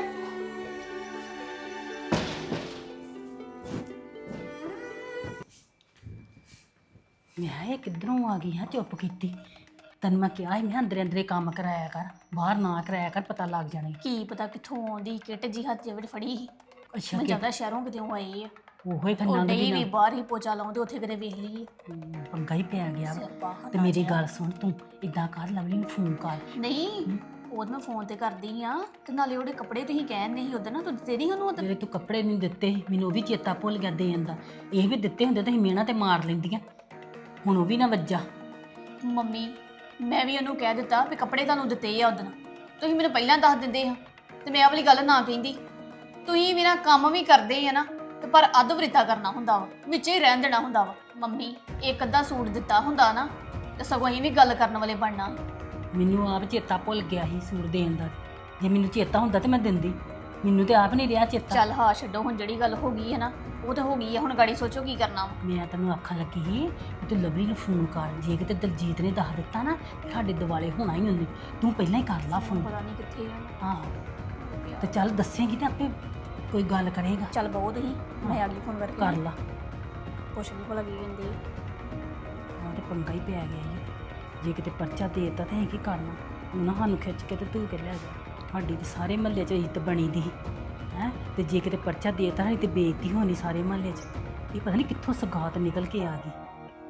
[SPEAKER 3] ਮੈਂ ਇਹ ਕਿੱਧਰੋਂ ਆ ਗਈ ਹਾਂ ਚੁੱਪ ਕੀਤੀ ਤੈਨੂੰ ਮੈਂ ਕਿਹਾ ਸੀ ਮੈਂ ਅੰਦਰੇ ਅੰਦਰੇ ਕੰਮ ਕਰਾਇਆ ਕਰ ਬਾਹਰ ਨਾ ਕਰਾਇਆ ਕਰ ਪਤਾ ਲੱਗ ਜਾਣਾ
[SPEAKER 4] ਕੀ ਪਤਾ ਕਿੱਥੋਂ ਆਉਂਦੀ ਕਿੱਟ ਜੀ ਹੱਥ ਵਿੱਚ ਫੜੀ ਸੀ।
[SPEAKER 3] ਅੱਛਾ
[SPEAKER 4] ਮੈਂ ਜ਼ਿਆਦਾ ਸ਼ਹਿਰੋਂ ਕਿਤੇ ਆਏ ਆ।
[SPEAKER 3] ਉਹੋ ਹੀ
[SPEAKER 4] ਉਹ
[SPEAKER 3] ਖੰਨਾ
[SPEAKER 4] ਡਈ ਵੀ ਬਾਹਰ ਹੀ ਪੋਚਾ ਲਾਉਂਦੇ, ਉੱਥੇ ਕਿਤੇ ਵੇਖ ਲਈਏ।
[SPEAKER 3] ਪੰਗਾ ਹੀ ਪੈ ਗਿਆ ਵਾ।
[SPEAKER 4] ਸਿਆਪਾ
[SPEAKER 3] ਤੇ ਮੇਰੀ ਗੱਲ ਸੁਣ ਤੂੰ ਇਦਾਂ ਕਰ ਲਵਲੀ ਨੂੰ ਫੋਨ ਕਰ
[SPEAKER 4] ਨਹੀਂ ਉਹ ਮੈਂ ਫੋਨ ਤੇ ਕਰਦੀ ਆ। ਤੇ ਨਾਲੇ ਉਹਦੇ ਕੱਪੜੇ ਤੁਸੀਂ ਕਹਿੰਦੇ ਸੀ ਉਦੋਂ ਨਾ, ਤੂੰ ਦਿੱਤੇ ਨਹੀਂ ਉਹਨੂੰ ਉਦੋਂ?
[SPEAKER 3] ਜਿਹੜੇ ਤੂੰ ਕੱਪੜੇ ਨਹੀਂ ਦਿੱਤੇ ਸੀ, ਮੈਨੂੰ ਉਹ ਵੀ ਚੇਤਾ ਭੁੱਲ ਗਿਆ ਦੇਣ ਦਾ। ਇਹ ਵੀ ਦਿੱਤੇ ਹੁੰਦੇ ਤਾਂ ਅਸੀਂ ਮਿਹਣਾ ਤੇ ਮਾਰ ਲੈਂਦੀਆਂ, ਹੁਣ ਉਹ ਵੀ ਨਾ ਵੱਜਾ।
[SPEAKER 4] ਮੰਮੀ ਮੈਂ ਵੀ ਉਹਨੂੰ ਕਹਿ ਦਿੱਤਾ ਵੀ ਕੱਪੜੇ ਤੁਹਾਨੂੰ ਦਿੱਤੇ ਆ ਉਦੋਂ, ਤੁਸੀਂ ਮੈਨੂੰ ਪਹਿਲਾਂ ਦੱਸ ਦਿੰਦੇ ਆ ਤੇ ਮੈਂ ਆਹ ਵਾਲੀ ਗੱਲ ਨਾ ਕਹਿੰਦੀ। ਤੁਸੀਂ ਵੀ ਨਾ ਕੰਮ ਵੀ ਕਰਦੇ ਆ ਨਾ ਤੇ ਪਰ ਅੱਧ ਵਰਿਤਾ ਕਰਨਾ ਹੁੰਦਾ ਵਾ, ਵਿੱਚ ਹੀ ਰਹਿਣ ਦੇਣਾ ਹੁੰਦਾ ਵਾ। ਮੰਮੀ ਇੱਕ ਅੱਧਾ ਸੂਟ ਦਿੱਤਾ ਹੁੰਦਾ ਨਾ ਤੇ ਸਗੋਂ ਅਸੀਂ ਵੀ ਗੱਲ ਕਰਨ ਵਾਲੇ ਬਣਨਾ।
[SPEAKER 3] ਮੈਨੂੰ ਆਪ ਚੇਤਾ ਭੁੱਲ ਗਿਆ ਸੀ ਸੂਟ ਦੇਣ ਦਾ। ਜੇ ਮੈਨੂੰ ਚੇਤਾ ਹੁੰਦਾ ਤੇ ਮੈਂ ਦਿੰਦੀ, ਮੈਨੂੰ ਤੇ ਆਪ ਨਹੀਂ ਰਿਹਾ ਚੇਤਾ।
[SPEAKER 4] ਚੱਲ ਹਾਂ ਛੱਡੋ, ਹੁਣ ਜਿਹੜੀ ਗੱਲ ਹੋ ਗਈ ਹੈ ਨਾ ਉਹ ਤਾਂ ਹੋ ਗਈ ਹੈ, ਹੁਣ ਗਾੜੀ ਸੋਚੋ ਕੀ ਕਰਨਾ ਵਾ।
[SPEAKER 3] ਮੈਂ ਤੈਨੂੰ ਆਖਣ ਲੱਗੀ ਸੀ ਕਿ ਤੂੰ ਲਵਲੀ ਨੂੰ ਫੋਨ ਕਰ, ਜੇ ਕਿਤੇ ਦਲਜੀਤ ਨੇ ਦੱਸ ਦਿੱਤਾ ਨਾ ਤੇ ਸਾਡੇ ਦਿਵਾਲੇ ਹੋਣਾ ਹੀ ਹੁੰਦੀ। ਤੂੰ ਪਹਿਲਾਂ ਹੀ ਕਰ ਲਾ ਫੋਨ।
[SPEAKER 4] ਪਤਾ ਨਹੀਂ ਕਿੱਥੇ ਆ।
[SPEAKER 3] ਹਾਂ ਤੇ ਚੱਲ ਦੱਸੇਂਗੀ ਤੇ ਆਪੇ ਕੋਈ ਗੱਲ ਕਰੇਗਾ।
[SPEAKER 4] ਚੱਲ ਬਹੁਤ ਹੀ ਮੈਂ ਆ ਗਈ ਫੋਨ ਕਰਕੇ।
[SPEAKER 3] ਕਰ ਲਾ।
[SPEAKER 4] ਪੁੱਛ ਵੀ ਭਲਾ ਕੀ ਕਹਿੰਦੇ ਆ।
[SPEAKER 3] ਹਾਂ ਤੇ ਪੰਗਾ ਹੀ ਪੈ ਗਿਆ ਜੀ। ਜੇ ਕਿਤੇ ਪਰਚਾ ਦੇ ਦਿੱਤਾ ਤਾਂ ਅਸੀਂ ਕੀ ਕਰਨਾ? ਉਹਨਾਂ ਸਾਨੂੰ ਖਿੱਚ ਕੇ ਤੇ ਤੂੰ ਕੇ ਲੈ ਜਾ। ਸਾਡੀ ਤੇ ਸਾਰੇ ਮਹੱਲੇ 'ਚ ਇੱਜ਼ਤ ਬਣੀ ਦੀ ਹੈ, ਤੇ ਜੇ ਕਿਤੇ ਪਰਚਾ ਦੇ ਦਿੱਤਾ ਤੇ ਬੇਇੱਜ਼ਤੀ ਹੋਣੀ ਸਾਰੇ ਮਹੱਲੇ 'ਚ। ਇਹ ਪਤਾ ਨਹੀਂ ਕਿੱਥੋਂ ਸਗਾਤ ਨਿਕਲ ਕੇ ਆ ਗਈ।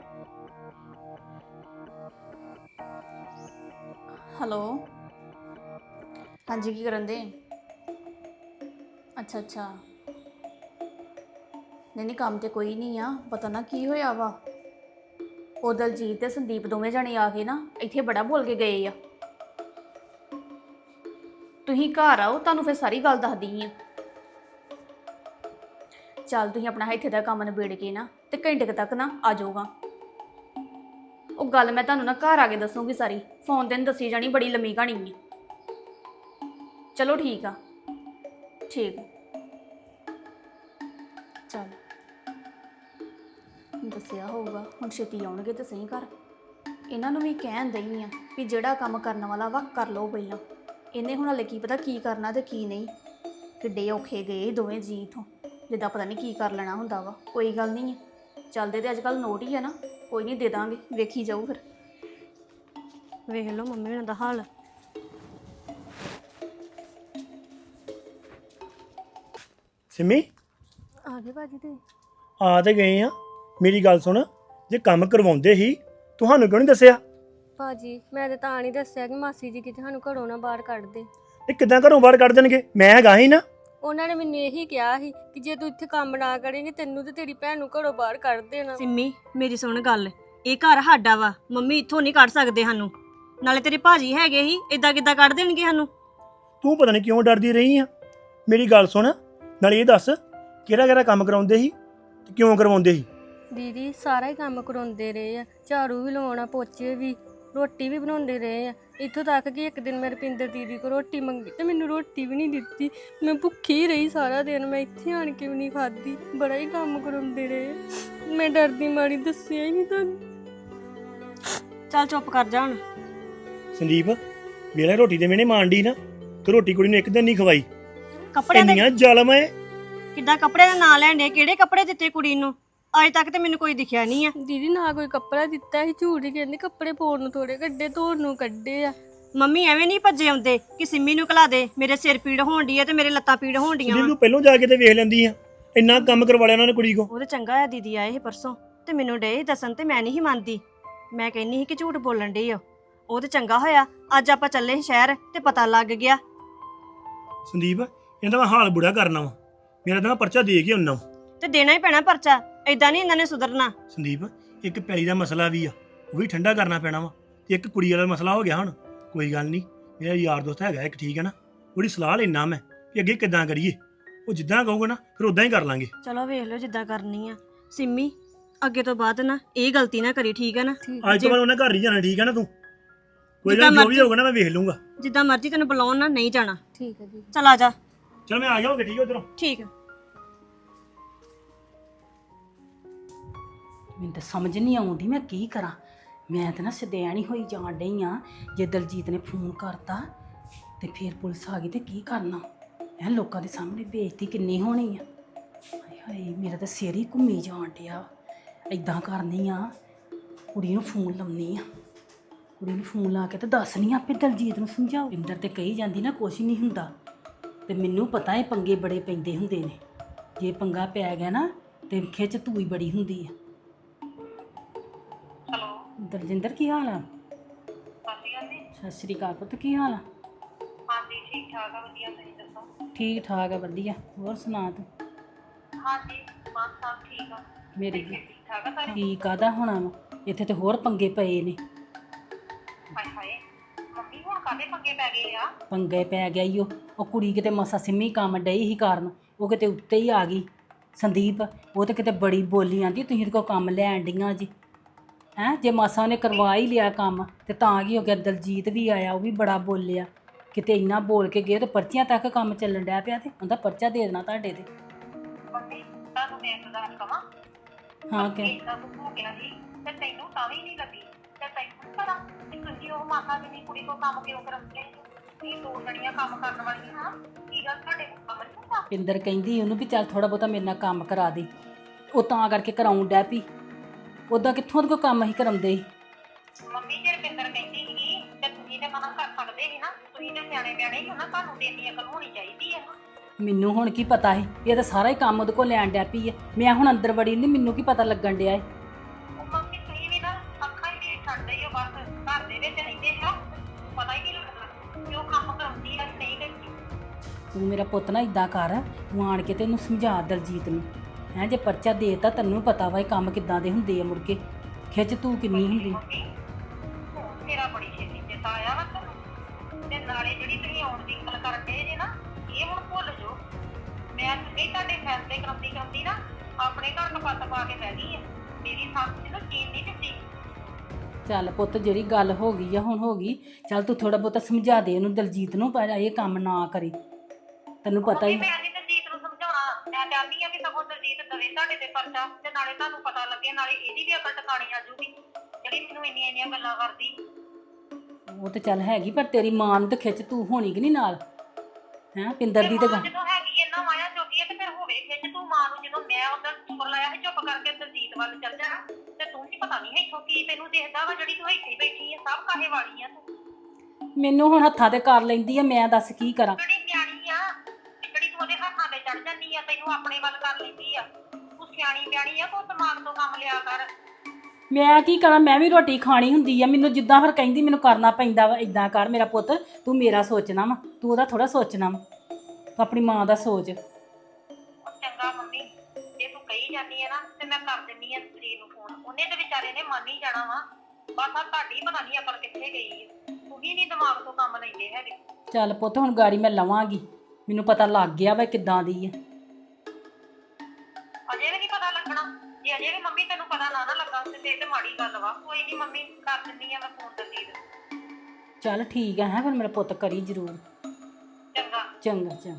[SPEAKER 4] ਹੈਲੋ, ਹਾਂਜੀ ਕੀ ਕਰਨ ਦੇ? ਅੱਛਾ ਅੱਛਾ, ਨਹੀਂ ਕੰਮ ਤੇ ਕੋਈ ਨਹੀਂ ਆ। ਪਤਾ ਨਾ ਕੀ ਹੋਇਆ ਵਾ, ਉਹ ਦਲਜੀਤ ਤੇ ਸੰਦੀਪ ਦੋਵੇਂ ਜਣੇ ਆ ਕੇ ਨਾ ਇੱਥੇ ਬੜਾ ਬੋਲ ਕੇ ਗਏ ਆ। ਤੁਸੀਂ ਘਰ ਆਓ, ਤੁਹਾਨੂੰ ਫਿਰ ਸਾਰੀ ਗੱਲ ਦੱਸਦੀ ਆ। ਚੱਲ ਤੁਸੀਂ ਆਪਣਾ ਇੱਥੇ ਦਾ ਕੰਮ ਨਿਬੇੜ ਕੇ ਨਾ ਤੇ ਘੰਟੇ ਕੁ ਤੱਕ ਨਾ ਆ ਜਾਊਗਾ। ਉਹ ਗੱਲ ਮੈਂ ਤੁਹਾਨੂੰ ਨਾ ਘਰ ਆ ਕੇ ਦੱਸੂਗੀ ਸਾਰੀ, ਫੋਨ ਤੇ ਨਹੀਂ ਦੱਸੀ ਜਾਣੀ, ਬੜੀ ਲੰਮੀ ਕਹਾਣੀ ਹੈ। ਚਲੋ ਠੀਕ ਆ, ਠੀਕ। ਚੱਲ ਦੱਸਿਆ ਹੋਊਗਾ, ਹੁਣ ਛੇਤੀ ਆਉਣਗੇ ਤੇ ਸਹੀ ਘਰ। ਇਹਨਾਂ ਨੂੰ ਵੀ ਕਹਿਣ ਦਈ ਆ ਵੀ ਜਿਹੜਾ ਕੰਮ ਕਰਨ ਵਾਲਾ ਵਾ ਕਰ ਲਓ ਪਹਿਲਾਂ। ਇਹਨੇ ਹੁਣ ਹਲੇ ਕੀ ਪਤਾ ਕੀ ਕਰਨਾ ਤੇ ਕੀ ਨਹੀਂ। ਕਿੱਡੇ ਔਖੇ ਗਏ ਦੋਵੇਂ ਜੀ ਇੱਥੋਂ, ਜਿੱਦਾਂ ਪਤਾ ਨਹੀਂ ਕੀ ਕਰ ਲੈਣਾ ਹੁੰਦਾ ਵਾ। ਕੋਈ ਗੱਲ ਨਹੀਂ ਹੈ, ਚੱਲਦੇ ਤੇ ਅੱਜ ਕੱਲ੍ਹ ਨੋਟ ਹੀ ਆ ਨਾ, ਕੋਈ ਨਹੀਂ ਦੇ ਦਾਂਗੇ, ਵੇਖੀ ਜਾਊ ਫਿਰ।
[SPEAKER 1] ਵੇਖ ਲਓ ਮੰਮੀ ਹੁਣਾਂ ਦਾ ਹਾਲ।
[SPEAKER 2] ਸਿੰਮੀ
[SPEAKER 5] ਆ ਗਏ ਭਾਜੀ ਤੇ?
[SPEAKER 2] ਆ ਤੇ ਗਏ ਆ। ਮੇਰੀ ਗੱਲ ਸੁਣ, ਜੇ ਕੰਮ ਕਰਵਾਉਂਦੇ ਹੀ ਤੁਹਾਨੂੰ ਕਿਉਂ ਨਹੀਂ ਦੱਸਿਆ?
[SPEAKER 5] ਭਾਜੀ ਮੈਂ ਤਾਂ ਨਹੀਂ ਦੱਸਿਆ ਕਿ ਮਾਸੀ ਜੀ ਕਿਤੇ ਸਾਨੂੰ ਘਰੋਂ ਨਾ ਬਾਹਰ ਕੱਢ ਦੇ।
[SPEAKER 2] ਇਹ ਕਿੱਦਾਂ ਘਰੋਂ ਬਾਹਰ ਕੱਢ ਦੇਣਗੇ? ਮੈਂ ਹੈਗਾ ਹੀ ਨਾ।
[SPEAKER 5] ਉਹਨਾਂ ਨੇ ਮੈਨੂੰ ਇਹੀ ਕਿਹਾ ਸੀ ਕਿ ਜੇ ਤੂੰ ਇੱਥੇ ਕੰਮ ਨਾ ਕਰੇਂਗੇ ਤੈਨੂੰ ਤੇ ਤੇਰੀ ਭੈਣ ਨੂੰ ਘਰੋਂ ਬਾਹਰ ਕੱਢ ਦੇਣਾ।
[SPEAKER 1] ਸਿੰਮੀ ਮੇਰੀ ਸੁਣ ਗੱਲ, ਇਹ ਘਰ ਸਾਡਾ ਵਾ, ਮੰਮੀ ਇੱਥੋਂ ਨਹੀਂ ਕੱਢ ਸਕਦੇ ਸਾਨੂੰ। ਨਾਲੇ ਤੇਰੇ ਭਾਜੀ ਹੈਗੇ ਹੀ, ਇਦਾਂ ਕਿੱਦਾਂ ਕੱਢ ਦੇਣਗੇ ਸਾਨੂੰ?
[SPEAKER 2] ਤੂੰ ਪਤਾ ਨਹੀਂ ਕਿਉਂ ਡਰਦੀ ਰਹੀ ਆ। ਮੇਰੀ ਗੱਲ ਸੁਣ, ਨਾਲੇ ਇਹ ਦੱਸ ਕਿਹੜਾ ਕਿਹੜਾ ਕੰਮ ਕਰਾਉਂਦੇ ਸੀ ਤੇ ਕਿਉਂ ਕਰਵਾਉਂਦੇ ਸੀ?
[SPEAKER 5] ਦੀਦੀ ਸਾਰਾ ਹੀ ਕੰਮ ਕਰਾਉਂਦੇ ਰਹੇ ਆ, ਝਾੜੂ ਵੀ ਲਵਾਉਣਾ, ਪੋਚੇ ਵੀ, ਰੋਟੀ ਵੀ ਬਣਾਉਂਦੇ ਰਹੇ ਆ। ਇੱਥੋਂ ਤੱਕ ਕਿ ਇੱਕ ਦਿਨ ਮੈਂ ਰੁਪਿੰਦਰ ਦੀਦੀ ਕੋਲ ਰੋਟੀ ਮੰਗੀ ਤੇ ਮੈਨੂੰ ਰੋਟੀ ਵੀ ਨਹੀਂ ਦਿੱਤੀ। ਮੈਂ ਭੁੱਖੀ ਰਹੀ ਸਾਰਾ ਦਿਨ, ਮੈਂ ਇੱਥੇ ਆਣ ਕੇ ਵੀ ਨਹੀਂ ਖਾਧੀ। ਬੜਾ ਹੀ ਕੰਮ ਕਰਾਉਂਦੇ ਰਹੇ। ਮੈਂ ਡਰਦੀ ਮਾਰੀ ਦੱਸਿਆ ਹੀ ਨਹੀਂ ਤੁਹਾਨੂੰ।
[SPEAKER 1] ਚੱਲ ਚੁੱਪ ਕਰ ਜਾ ਹੁਣ।
[SPEAKER 2] ਸੰਦੀਪ ਵੇਲੇ ਰੋਟੀ ਦੇ ਮੈਨੇ ਮਾਂਡੀ ਨਾ, ਤੇ ਰੋਟੀ ਕੁੜੀ ਨੂੰ ਇੱਕ ਦਿਨ ਨਹੀਂ ਖਵਾਈ।
[SPEAKER 1] ਕੱਪੜਿਆਂ ਦੇ
[SPEAKER 2] ਇੰਨੀਆਂ ਜ਼ਾਲਮ ਐ।
[SPEAKER 1] ਕਿੱਦਾਂ ਕੱਪੜੇ ਦਾ ਨਾਂ ਲੈਣ ਡੇ? ਕਿਹੜੇ ਕੱਪੜੇ ਦਿੱਤੇ ਕੁੜੀ ਨੂੰ? ਅਜੇ ਤੱਕ ਤੇ ਮੈਨੂੰ ਕੋਈ ਦਿਖਿਆ ਨਹੀਂ ਆ।
[SPEAKER 5] ਦੀਦੀ ਨਾ ਕੋਈ ਕੱਪੜਾ ਦਿੱਤਾ ਸੀ, ਝੂਠ ਹੀ ਕਹਿੰਦੇ ਕੱਪੜੇ ਪਾਉਣ ਨੂੰ ਥੋੜੇ ਕੱਢੇ, ਧੋਣ ਨੂੰ ਕੱਢੇ ਆ।
[SPEAKER 1] ਮੰਮੀ ਐਵੇਂ ਨਹੀਂ ਭੱਜੇ ਆਉਂਦੇ ਕਿ ਸਿੰਮੀ ਨੂੰ ਘਲਾ ਦੇ, ਮੇਰੇ ਸਿਰ ਪੀੜ ਹੋਣ ਡਈ ਆ ਤੇ ਮੇਰੇ ਲੱਤਾਂ ਪੀੜ ਹੋਣ ਡੀਆਂ
[SPEAKER 2] ਸੰਦੀਪ
[SPEAKER 1] ਵਾ।
[SPEAKER 2] ਤੂੰ ਪਹਿਲਾਂ ਜਾ ਕੇ ਤੇ ਵੇਖ ਲੈਂਦੀ ਆ, ਇੰਨਾ ਕੰਮ ਕਰਵਾ ਲਿਆ ਉਹਨਾਂ ਨੇ ਕੁੜੀ ਕੋ।
[SPEAKER 1] ਉਹ ਤੇ ਚੰਗਾ ਆ ਦੀਦੀ ਆਏ ਸੀ ਪਰਸੋਂ ਤੇ ਮੈਨੂੰ ਡੇ ਸੀ ਦੱਸਣ ਤੇ ਮੈਂ ਨਹੀਂ ਸੀ ਮੰਨਦੀ। ਮੈਂ ਕਹਿੰਨੀ ਸੀ ਕਿ ਝੂਠ ਬੋਲਣ ਡਈ ਆ। ਉਹ ਤੇ ਚੰਗਾ ਹੋਇਆ ਅੱਜ ਆਪਾਂ ਚੱਲੇ ਸੀ ਸ਼ਹਿਰ ਤੇ ਪਤਾ ਲੱਗ ਗਿਆ।
[SPEAKER 2] ਸੰਦੀਪ ਇਹਦਾ ਮੈਂ ਹਾਲ ਬੁੜਾ ਕਰਨਾ ਵਾ, ਮੇਰਾ ਤਾਂ ਪਰਚਾ ਦੇ ਕੇ ਆਉਣਾ।
[SPEAKER 1] ਤੇ ਦੇਣਾ ਹੀ ਪੈਣਾ ਪਰਚਾ, ਏਦਾਂ ਨਹੀਂ ਇਹਨਾਂ ਨੇ ਸੁਧਰਨਾ।
[SPEAKER 2] ਸੰਦੀਪ ਇੱਕ ਪੈਲੀ ਦਾ ਮਸਲਾ ਵੀ ਆ, ਉਹ ਵੀ ਠੰਡਾ ਕਰਨਾ ਪੈਣਾ ਵਾ, ਤੇ ਇੱਕ ਕੁੜੀ ਵਾਲਾ ਮਸਲਾ ਹੋ ਗਿਆ। ਹੁਣ ਕੋਈ ਗੱਲ ਨਹੀਂ, ਮੇਰਾ ਯਾਰ ਦੋਸਤ ਹੈਗਾ ਇੱਕ, ਠੀਕ ਹੈ ਨਾ, ਉਹਦੀ ਸਲਾਹ ਲੈਣਾ ਮੈਂ ਕਿ ਅੱਗੇ ਕਿੱਦਾਂ ਕਰੀਏ। ਉਹ ਜਿੱਦਾਂ ਕਹੂਗਾ ਨਾ ਫਿਰ ਉਦਾਂ ਹੀ ਕਰ ਲਾਂਗੇ।
[SPEAKER 1] ਚਲੋ ਵੇਖ ਲਓ ਜਿੱਦਾਂ ਕਰਨੀ ਆ। ਸਿੰਮੀ ਅੱਗੇ ਤੋਂ ਬਾਅਦ ਨਾ ਇਹ ਗਲਤੀ ਨਾ ਕਰੀ, ਠੀਕ ਹੈ ਨਾ?
[SPEAKER 2] ਅੱਜ ਤੋਂ ਬਾਅਦ ਉਹਨੇ ਘਰ ਹੀ ਜਾਣਾ, ਠੀਕ ਹੈ ਨਾ? ਤੂੰ ਕੋਈ
[SPEAKER 1] ਜਿੱਦਾਂ
[SPEAKER 2] ਗੱਲ ਜੋ ਵੀ
[SPEAKER 1] ਮਰਜ਼ੀ-
[SPEAKER 2] ਹੋਊਗਾ ਨਾ ਮੈਂ ਵੇਖ ਲੂੰਗਾ।
[SPEAKER 1] ਜਿੱਦਾਂ ਮਰਜ਼ੀ ਤੈਨੂੰ ਬੁਲਾਉਣ ਨਾ, ਨਹੀਂ ਜਾਣਾ।
[SPEAKER 5] ਠੀਕ ਹੈ ਜੀ।
[SPEAKER 1] ਚਲ ਆ ਜਾ।
[SPEAKER 2] ਚਲ ਮੈਂ ਆ ਜਾਵਾਂਗਾ, ਠੀਕ ਹੈ ਉਧਰੋਂ।
[SPEAKER 1] ਠੀਕ ਹੈ।
[SPEAKER 3] ਮੈਨੂੰ ਤਾਂ ਸਮਝ ਨਹੀਂ ਆਉਂਦੀ ਮੈਂ ਕੀ ਕਰਾਂ। ਮੈਂ ਤਾਂ ਨਾ ਸਦੈਣ ਹੀ ਹੋਈ ਜਾਣ ਡਈ ਆ। ਜੇ ਦਲਜੀਤ ਨੇ ਫੋਨ ਕਰਤਾ ਤੇ ਫਿਰ ਪੁਲਿਸ ਆ ਗਈ ਤੇ ਕੀ ਕਰਨਾ? ਐ ਲੋਕਾਂ ਦੇ ਸਾਹਮਣੇ ਬੇਇੱਜ਼ਤੀ ਕਿੰਨੀ ਹੋਣੀ ਆ। ਹਾਏ ਹਾਏ ਮੇਰਾ ਤਾਂ ਸਿਰ ਹੀ ਘੁੰਮੀ ਜਾਣ ਡਿਆ। ਇਦਾਂ ਕਰਨੀ ਆ, ਕੁੜੀ ਨੂੰ ਫੋਨ ਲਾਉਣੀ ਆ। ਕੁੜੀ ਨੂੰ ਫੋਨ ਲਾ ਕੇ ਤੇ ਦੱਸਣੀ ਆ, ਆਪੇ ਦਲਜੀਤ ਨੂੰ ਸਮਝਾਓ। ਇੰਦਰ ਤੇ ਕਹੀ ਜਾਂਦੀ ਨਾ ਕੁਛ ਨਹੀਂ ਹੁੰਦਾ, ਤੇ ਮੈਨੂੰ ਪਤਾ ਇਹ ਪੰਗੇ ਬੜੇ ਪੈਂਦੇ ਹੁੰਦੇ ਨੇ। ਜੇ ਪੰਗਾ ਪੈ ਗਿਆ ਨਾ ਤੇ ਖਿੱਚ ਧੂਈ ਬੜੀ ਹੁੰਦੀ ਆ। ਦਲਜਿੰਦਰ ਕੀ ਹਾਲ ਆ? ਸਤਿ ਸ਼੍ਰੀ ਅਕਾਲ ਪੁੱਤ, ਕੀ ਹਾਲ ਆ?
[SPEAKER 7] ਹਾਂਜੀ ਠੀਕ ਠਾਕ ਆ, ਵਧੀਆ। ਤੁਸੀਂ ਦੱਸੋ?
[SPEAKER 3] ਠੀਕ ਠਾਕ ਆ, ਵਧੀਆ। ਹੋਰ ਸੁਣਾ ਤੂੰ?
[SPEAKER 7] ਹਾਂਜੀ ਮਾਂ ਸਾਹਿਬ ਠੀਕ ਆ,
[SPEAKER 3] ਮੇਰੀ
[SPEAKER 7] ਠੀਕ ਠਾਕ ਆ ਸਾਰੇ?
[SPEAKER 3] ਕੀ ਕਾਹਦਾ ਹੋਣਾ ਵਾ, ਇੱਥੇ ਤੇ ਹੋਰ ਪੰਗੇ ਪਏ ਨੇ।
[SPEAKER 7] ਹਾਏ ਹਾਏ ਮੰਮੀ ਹੁਣ ਕਾਹਦੇ ਪੰਗੇ ਪੈ ਗਏ ਆ?
[SPEAKER 3] ਪੰਗੇ ਪੈ ਗਿਆ ਈ ਉਹ ਕੁੜੀ ਕਿਤੇ ਮਸਾ ਸਿੰਮੀ ਕੰਮ ਡਈ ਹੀ ਕਾਰਨ ਉਹ ਕਿਤੇ ਉੱਤੇ ਹੀ ਆ ਗਈ। ਸੰਦੀਪ ਉਹ ਤੇ ਕਿਤੇ ਬੜੀ ਬੋਲੀ ਆਂਦੀ, ਤੁਸੀਂ ਇਹਦੇ ਕੋਲ ਕੰਮ ਲੈਣ ਡੀਆਂ ਜੀ। ਹੈ ਜੇ ਮਾਸਾ ਉਹਨੇ ਕਰਵਾ ਹੀ ਲਿਆ ਕੰਮ ਤੇ ਤਾਂ ਕੀ ਹੋ ਗਿਆ। ਦਲਜੀਤ ਵੀ ਆਇਆ, ਉਹ ਵੀ ਬੜਾ ਬੋਲਿਆ, ਕਿਤੇ ਇੰਨਾ ਬੋਲ ਕੇ ਗਏ ਤੇ ਪਰਚੀਆਂ ਤੱਕ ਕੰਮ ਚੱਲਣ ਡਿਆ ਪਿਆ ਤੇ ਉਹਦਾ ਪਰਚਾ ਦੇ ਦੇਣਾ ਤੁਹਾਡੇ ਤੇ।
[SPEAKER 7] ਮੰਮੀ ਤੁਹਾਨੂੰ ਮੈਂ ਇੱਕ ਗੱਲ ਕਵਾਂ,
[SPEAKER 3] ਹਾਂ ਕਿ
[SPEAKER 7] ਇਦਾਂ ਕੁਝ ਹੋ ਗਿਆ ਸੀ ਤੇ ਤੈਨੂੰ ਤਾਂ ਵੀ ਨਹੀਂ ਲੱਗੀ ਤੇ ਤੈਨੂੰ ਪਤਾ ਕਿ ਤੁਸੀਂ ਉਹ ਮਾਤਾ ਜੀ ਦੀ ਕੁੜੀ ਕੋ ਕੰਮ ਕਿਉਂ ਕਰਾਉਂਦੇ? ਕੀ ਦੋ ਜਣੀਆਂ ਕੰਮ ਕਰਨ ਵਾਲੀਆਂ ਹਾਂ, ਕੀ ਗੱਲ ਤੁਹਾਡੇ ਕੋਲ ਕੰਮ ਨਹੀਂ ਹੁੰਦਾ?
[SPEAKER 3] ਪਿੰਦਰ ਕਹਿੰਦੀ ਉਹਨੂੰ ਵੀ ਚੱਲ ਥੋੜਾ ਬਹੁਤਾ ਮੇਰੇ ਨਾਲ ਕੰਮ ਕਰਾ ਦੇ, ਉਹ ਤਾਂ ਕਰਕੇ ਕਰਾਉਣ ਡੈ ਪਈ। ਉਹਦਾ ਕਿੱਥੋਂ ਉਹਦੇ ਕੋਲ ਕੰਮ ਹੀ ਕਰਾਉਂਦੇ ਸੀ।
[SPEAKER 7] ਮੰਮੀ ਜੇ ਰਵਿੰਦਰ ਕਹਿੰਦੀ ਸੀਗੀ ਤੇ ਤੁਸੀਂ ਤੇ ਮਨਾ ਕਰ ਸਕਦੇ ਸੀ ਨਾ, ਤੁਸੀਂ ਤੇ ਸਿਆਣੇ ਬਿਆਣੇ ਹੀ ਹੋ ਨਾ, ਤੁਹਾਨੂੰ ਤੇ ਇੰਨੀ ਅਕਲ ਹੋਣੀ ਚਾਹੀਦੀ ਹੈ।
[SPEAKER 3] ਮੈਨੂੰ ਹੁਣ ਕੀ ਪਤਾ ਸੀ, ਇਹ ਤਾਂ ਸਾਰਾ ਹੀ ਕੰਮ ਉਹਦੇ ਕੋਲ ਲੈਣ ਡੈ ਪਈ ਹੈ। ਮੈਂ ਹੁਣ ਅੰਦਰ ਵੜੀ ਨਹੀਂ, ਮੈਨੂੰ ਕੀ ਪਤਾ ਲੱਗਣ ਡਿਆ ਹੈ।
[SPEAKER 7] ਉਹ ਮੰਮੀ ਤੁਸੀਂ ਵੀ ਨਾ ਅੱਖਾਂ ਹੀ ਨਹੀਂ ਛੱਡਦੇ ਹੋ, ਬਸ ਘਰ ਦੇ ਵਿੱਚ ਰਹਿੰਦੇ ਹੋ, ਪਤਾ ਹੀ ਨਹੀਂ ਲੱਗਦਾ ਕਿ ਉਹ ਕੰਮ ਕਰਾਉਂਦੀ ਹੈ ਨਹੀਂ ਕਰਦੀ।
[SPEAKER 3] ਤੂੰ ਮੇਰਾ ਪੁੱਤ ਨਾ ਇਦਾਂ ਕਰ, ਤੂੰ ਆਣ ਕੇ ਤੇ ਇਹਨੂੰ ਸਮਝਾ ਦਲਜੀਤ ਨੂੰ ਹੈ, ਜੇ ਪਰਚਾ ਦੇਤਾ ਤੈਨੂੰ ਪਤਾ ਵਾ ਇਹ ਕੰਮ ਕਿੱਦਾਂ ਦੇ ਹੁੰਦੇ ਆ, ਮੁੜ ਕੇ ਖਿੱਚ ਤੂੰ ਕਿੰਨੀ ਹੁੰਦੀ।
[SPEAKER 7] ਮੰਮੀ ਹੁਣ ਮੇਰਾ ਬੜੀ ਛੇਤੀ ਚੇਤਾ ਆਇਆ ਵਾ ਤੁਹਾਨੂੰ, ਤੇ ਨਾਲੇ ਜਿਹੜੀ ਤੁਸੀਂ ਆਉਣ ਦੀ ਗੱਲ ਕਰਦੇ ਜੇ ਨਾ, ਇਹ ਹੁਣ ਭੁੱਲ ਜਾਓ। ਮੈਂ ਨਹੀਂ ਤੁਹਾਡੇ ਫੈਸਲੇ ਕਰਾਉਂਦੀ ਨਾ ਆਪਣੇ ਘਰ ਕਪੱਤ ਪਾ ਕੇ ਬਹਿ ਗਈ ਹੈ। ਮੇਰੀ ਸੱਸ ਨੂੰ ਚੀਨ ਨਹੀਂ ਦਿੱਤੀ।
[SPEAKER 3] ਚੱਲ ਪੁੱਤ ਜਿਹੜੀ ਗੱਲ ਹੋ ਗਈ ਆ ਹੁਣ ਹੋ ਗਈ, ਚੱਲ ਤੂੰ ਥੋੜਾ ਬਹੁਤਾ ਸਮਝਾ ਦੇ ਉਹਨੂੰ ਦਲਜੀਤ ਨੂੰ, ਪਰ ਇਹ ਕੰਮ ਨਾ ਕਰੇ, ਤੈਨੂੰ ਪਤਾ ਹੀ।
[SPEAKER 7] ਮੈਂ ਨਹੀਂ ਦਲਜੀਤ ਨੂੰ ਸਮਝਾਉਣਾ, ਮੈਂ ਚਾਹੁੰਦੀ ਆ ਕਿ ਸਗੋਂ ਦਲਜੀਤ ਦਵੇ ਤੁਹਾਡੇ ਤੇ ਪਰਚਾ, ਤੇ ਨਾਲੇ ਤੁਹਾਨੂੰ ਪਤਾ ਲੱਗੇ, ਨਾਲੇ ਇਹਦੀ ਵੀ ਅਕਲ ਟਿਕਾਣੀ ਆ ਜੂਗੀ ਜਿਹੜੀ ਮੈਨੂੰ ਇੰਨੀਆਂ ਗੱਲਾਂ ਕਰਦੀ।
[SPEAKER 3] ਉਹ ਤੇ ਚੱਲ ਹੈਗੀ, ਪਰ ਤੇਰੀ ਮਾਂ ਨੂੰ ਤੇ ਖਿੱਚ ਤੂੰ ਹੋਣੀ ਕਿ ਨਹੀਂ ਨਾਲ ਹੈ। ਪਿੰਦਰ ਦੀ ਤੇ ਗੱਲ
[SPEAKER 7] ਜਦੋਂ ਹੈਗੀ ਇਹਨਾਂ ਮਾਇਆ ਜੋਗੀ ਹੈ ਤੇ ਫਿਰ ਹੋਵੇ ਖਿੱਚ ਤੂੰ ਮਾਂ ਨੂੰ। ਜਦੋਂ ਮੈਂ ਉਹਦਾ ਚੁੱਪ ਲਾਇਆ ਸੀ ਚੁੱਪ ਕਰਕੇ ਦਲਜੀਤ ਵੱਲ ਚੱਲ ਜਾਣਾ, ਤੇ ਤੂੰ ਵੀ ਪਤਾ ਨਹੀਂ ਇੱਥੋਂ ਕੀ ਤੈਨੂੰ ਦੇਖਦਾ ਵਾ, ਜਿਹੜੀ ਤੂੰ ਇੱਥੇ ਬੈਠੀ ਹੈ ਸਭ ਕਾਹੇ ਵਾਲੀ ਆ ਤੂੰ।
[SPEAKER 3] ਮੈਨੂੰ ਹੁਣ ਹੱਥਾਂ ਤੇ ਕਰ ਲੈਂਦੀ ਆ, ਮੈਂ ਦੱਸ ਕੀ ਕਰਾਂ।
[SPEAKER 7] ਜਿਹੜੀ ਨਿਆਣੀ ਆ, ਜਿਹੜੀ ਤੂੰ ਉਹਦੇ ਹੱਥਾਂ ਤੇ ਚੜ ਜਾਂਦੀ ਆ, ਤੈਨੂੰ ਆਪਣੇ ਵੱਲ ਕਰ ਲੈਂਦੀ ਆ। ਤੂੰ ਸਿਆਣੀ ਬਿਆਣੀ ਆ, ਤੂੰ ਦਿਮਾਗ ਤੋਂ ਕੰਮ ਲਿਆ ਕਰ।
[SPEAKER 3] ਮੈਂ ਕੀ ਕਰਾਂ, ਮੈਂ ਵੀ ਰੋਟੀ ਖਾਣੀ ਹੁੰਦੀ ਆ, ਮੈਨੂੰ ਜਿੱਦਾਂ ਫਿਰ ਕਹਿੰਦੀ ਮੈਨੂੰ ਕਰਨਾ ਪੈਂਦਾ ਵਾ। ਇਦਾਂ ਕਰ ਮੇਰਾ ਪੁੱਤ, ਤੂੰ ਮੇਰਾ ਸੋਚਣਾ ਵਾ, ਤੂੰ ਉਹਦਾ ਥੋੜਾ ਸੋਚਣਾ ਵਾ, ਤੂੰ ਆਪਣੀ ਮਾਂ ਦਾ ਸੋਚ।
[SPEAKER 7] ਉਹ ਚੰਗਾ ਮੰਮੀ, ਜੇ ਤੂੰ ਕਹੀ ਜਾਂਦੀ ਹੈ ਨਾ ਤੇ ਮੈਂ ਕਰ ਦਿੰਦੀ ਆ ਸਰੀਰ ਨੂੰ ਫੋਨ, ਉਹਨੇ ਤੇ ਵਿਚਾਰੇ ਨੇ ਮੰਨ ਹੀ ਜਾਣਾ ਵਾ। ਬਸ ਆ ਤੁਹਾਡੀ ਪਤਾ ਨਹੀਂ ਅਕਲ ਕਿੱਥੇ ਗਈ ਹੈ, ਤੂੰ ਵੀ ਨਹੀਂ ਦਿਮਾਗ ਤੋਂ ਕੰਮ ਲੈਂਦੇ ਹੈਗੇ।
[SPEAKER 3] ਚੱਲ ਪੁੱਤ ਹੁਣ ਗਾੜੀ ਮੈਂ ਲਵਾਂਗੀ, ਮੈਨੂੰ ਪਤਾ ਲੱਗ ਗਿਆ ਵਾ ਕਿੱਦਾਂ ਦੀ ਆ।
[SPEAKER 7] ਅਜੇ ਵੀ ਨਹੀਂ ਪਤਾ ਲੱਗਣਾ, ਜੇ ਅਜੇ ਵੀ ਮੰਮੀ ਤੈਨੂੰ ਪਤਾ ਨਾ ਲੱਗਾ ਤੇ ਮਾੜੀ ਗੱਲ ਵਾ। ਕੋਈ ਨਹੀਂ ਮੰਮੀ, ਕਰ ਦਿੰਦੀ ਆ ਮੈਂ ਫੋਨ ਦਲਜੀਤ।
[SPEAKER 3] ਚੱਲ ਠੀਕ ਆ, ਹੈ ਫਿਰ ਮੇਰਾ ਪੁੱਤ ਕਰੀ ਜ਼ਰੂਰ।
[SPEAKER 7] ਚੰਗਾ
[SPEAKER 3] ਚੰਗਾ ਚੰਗਾ,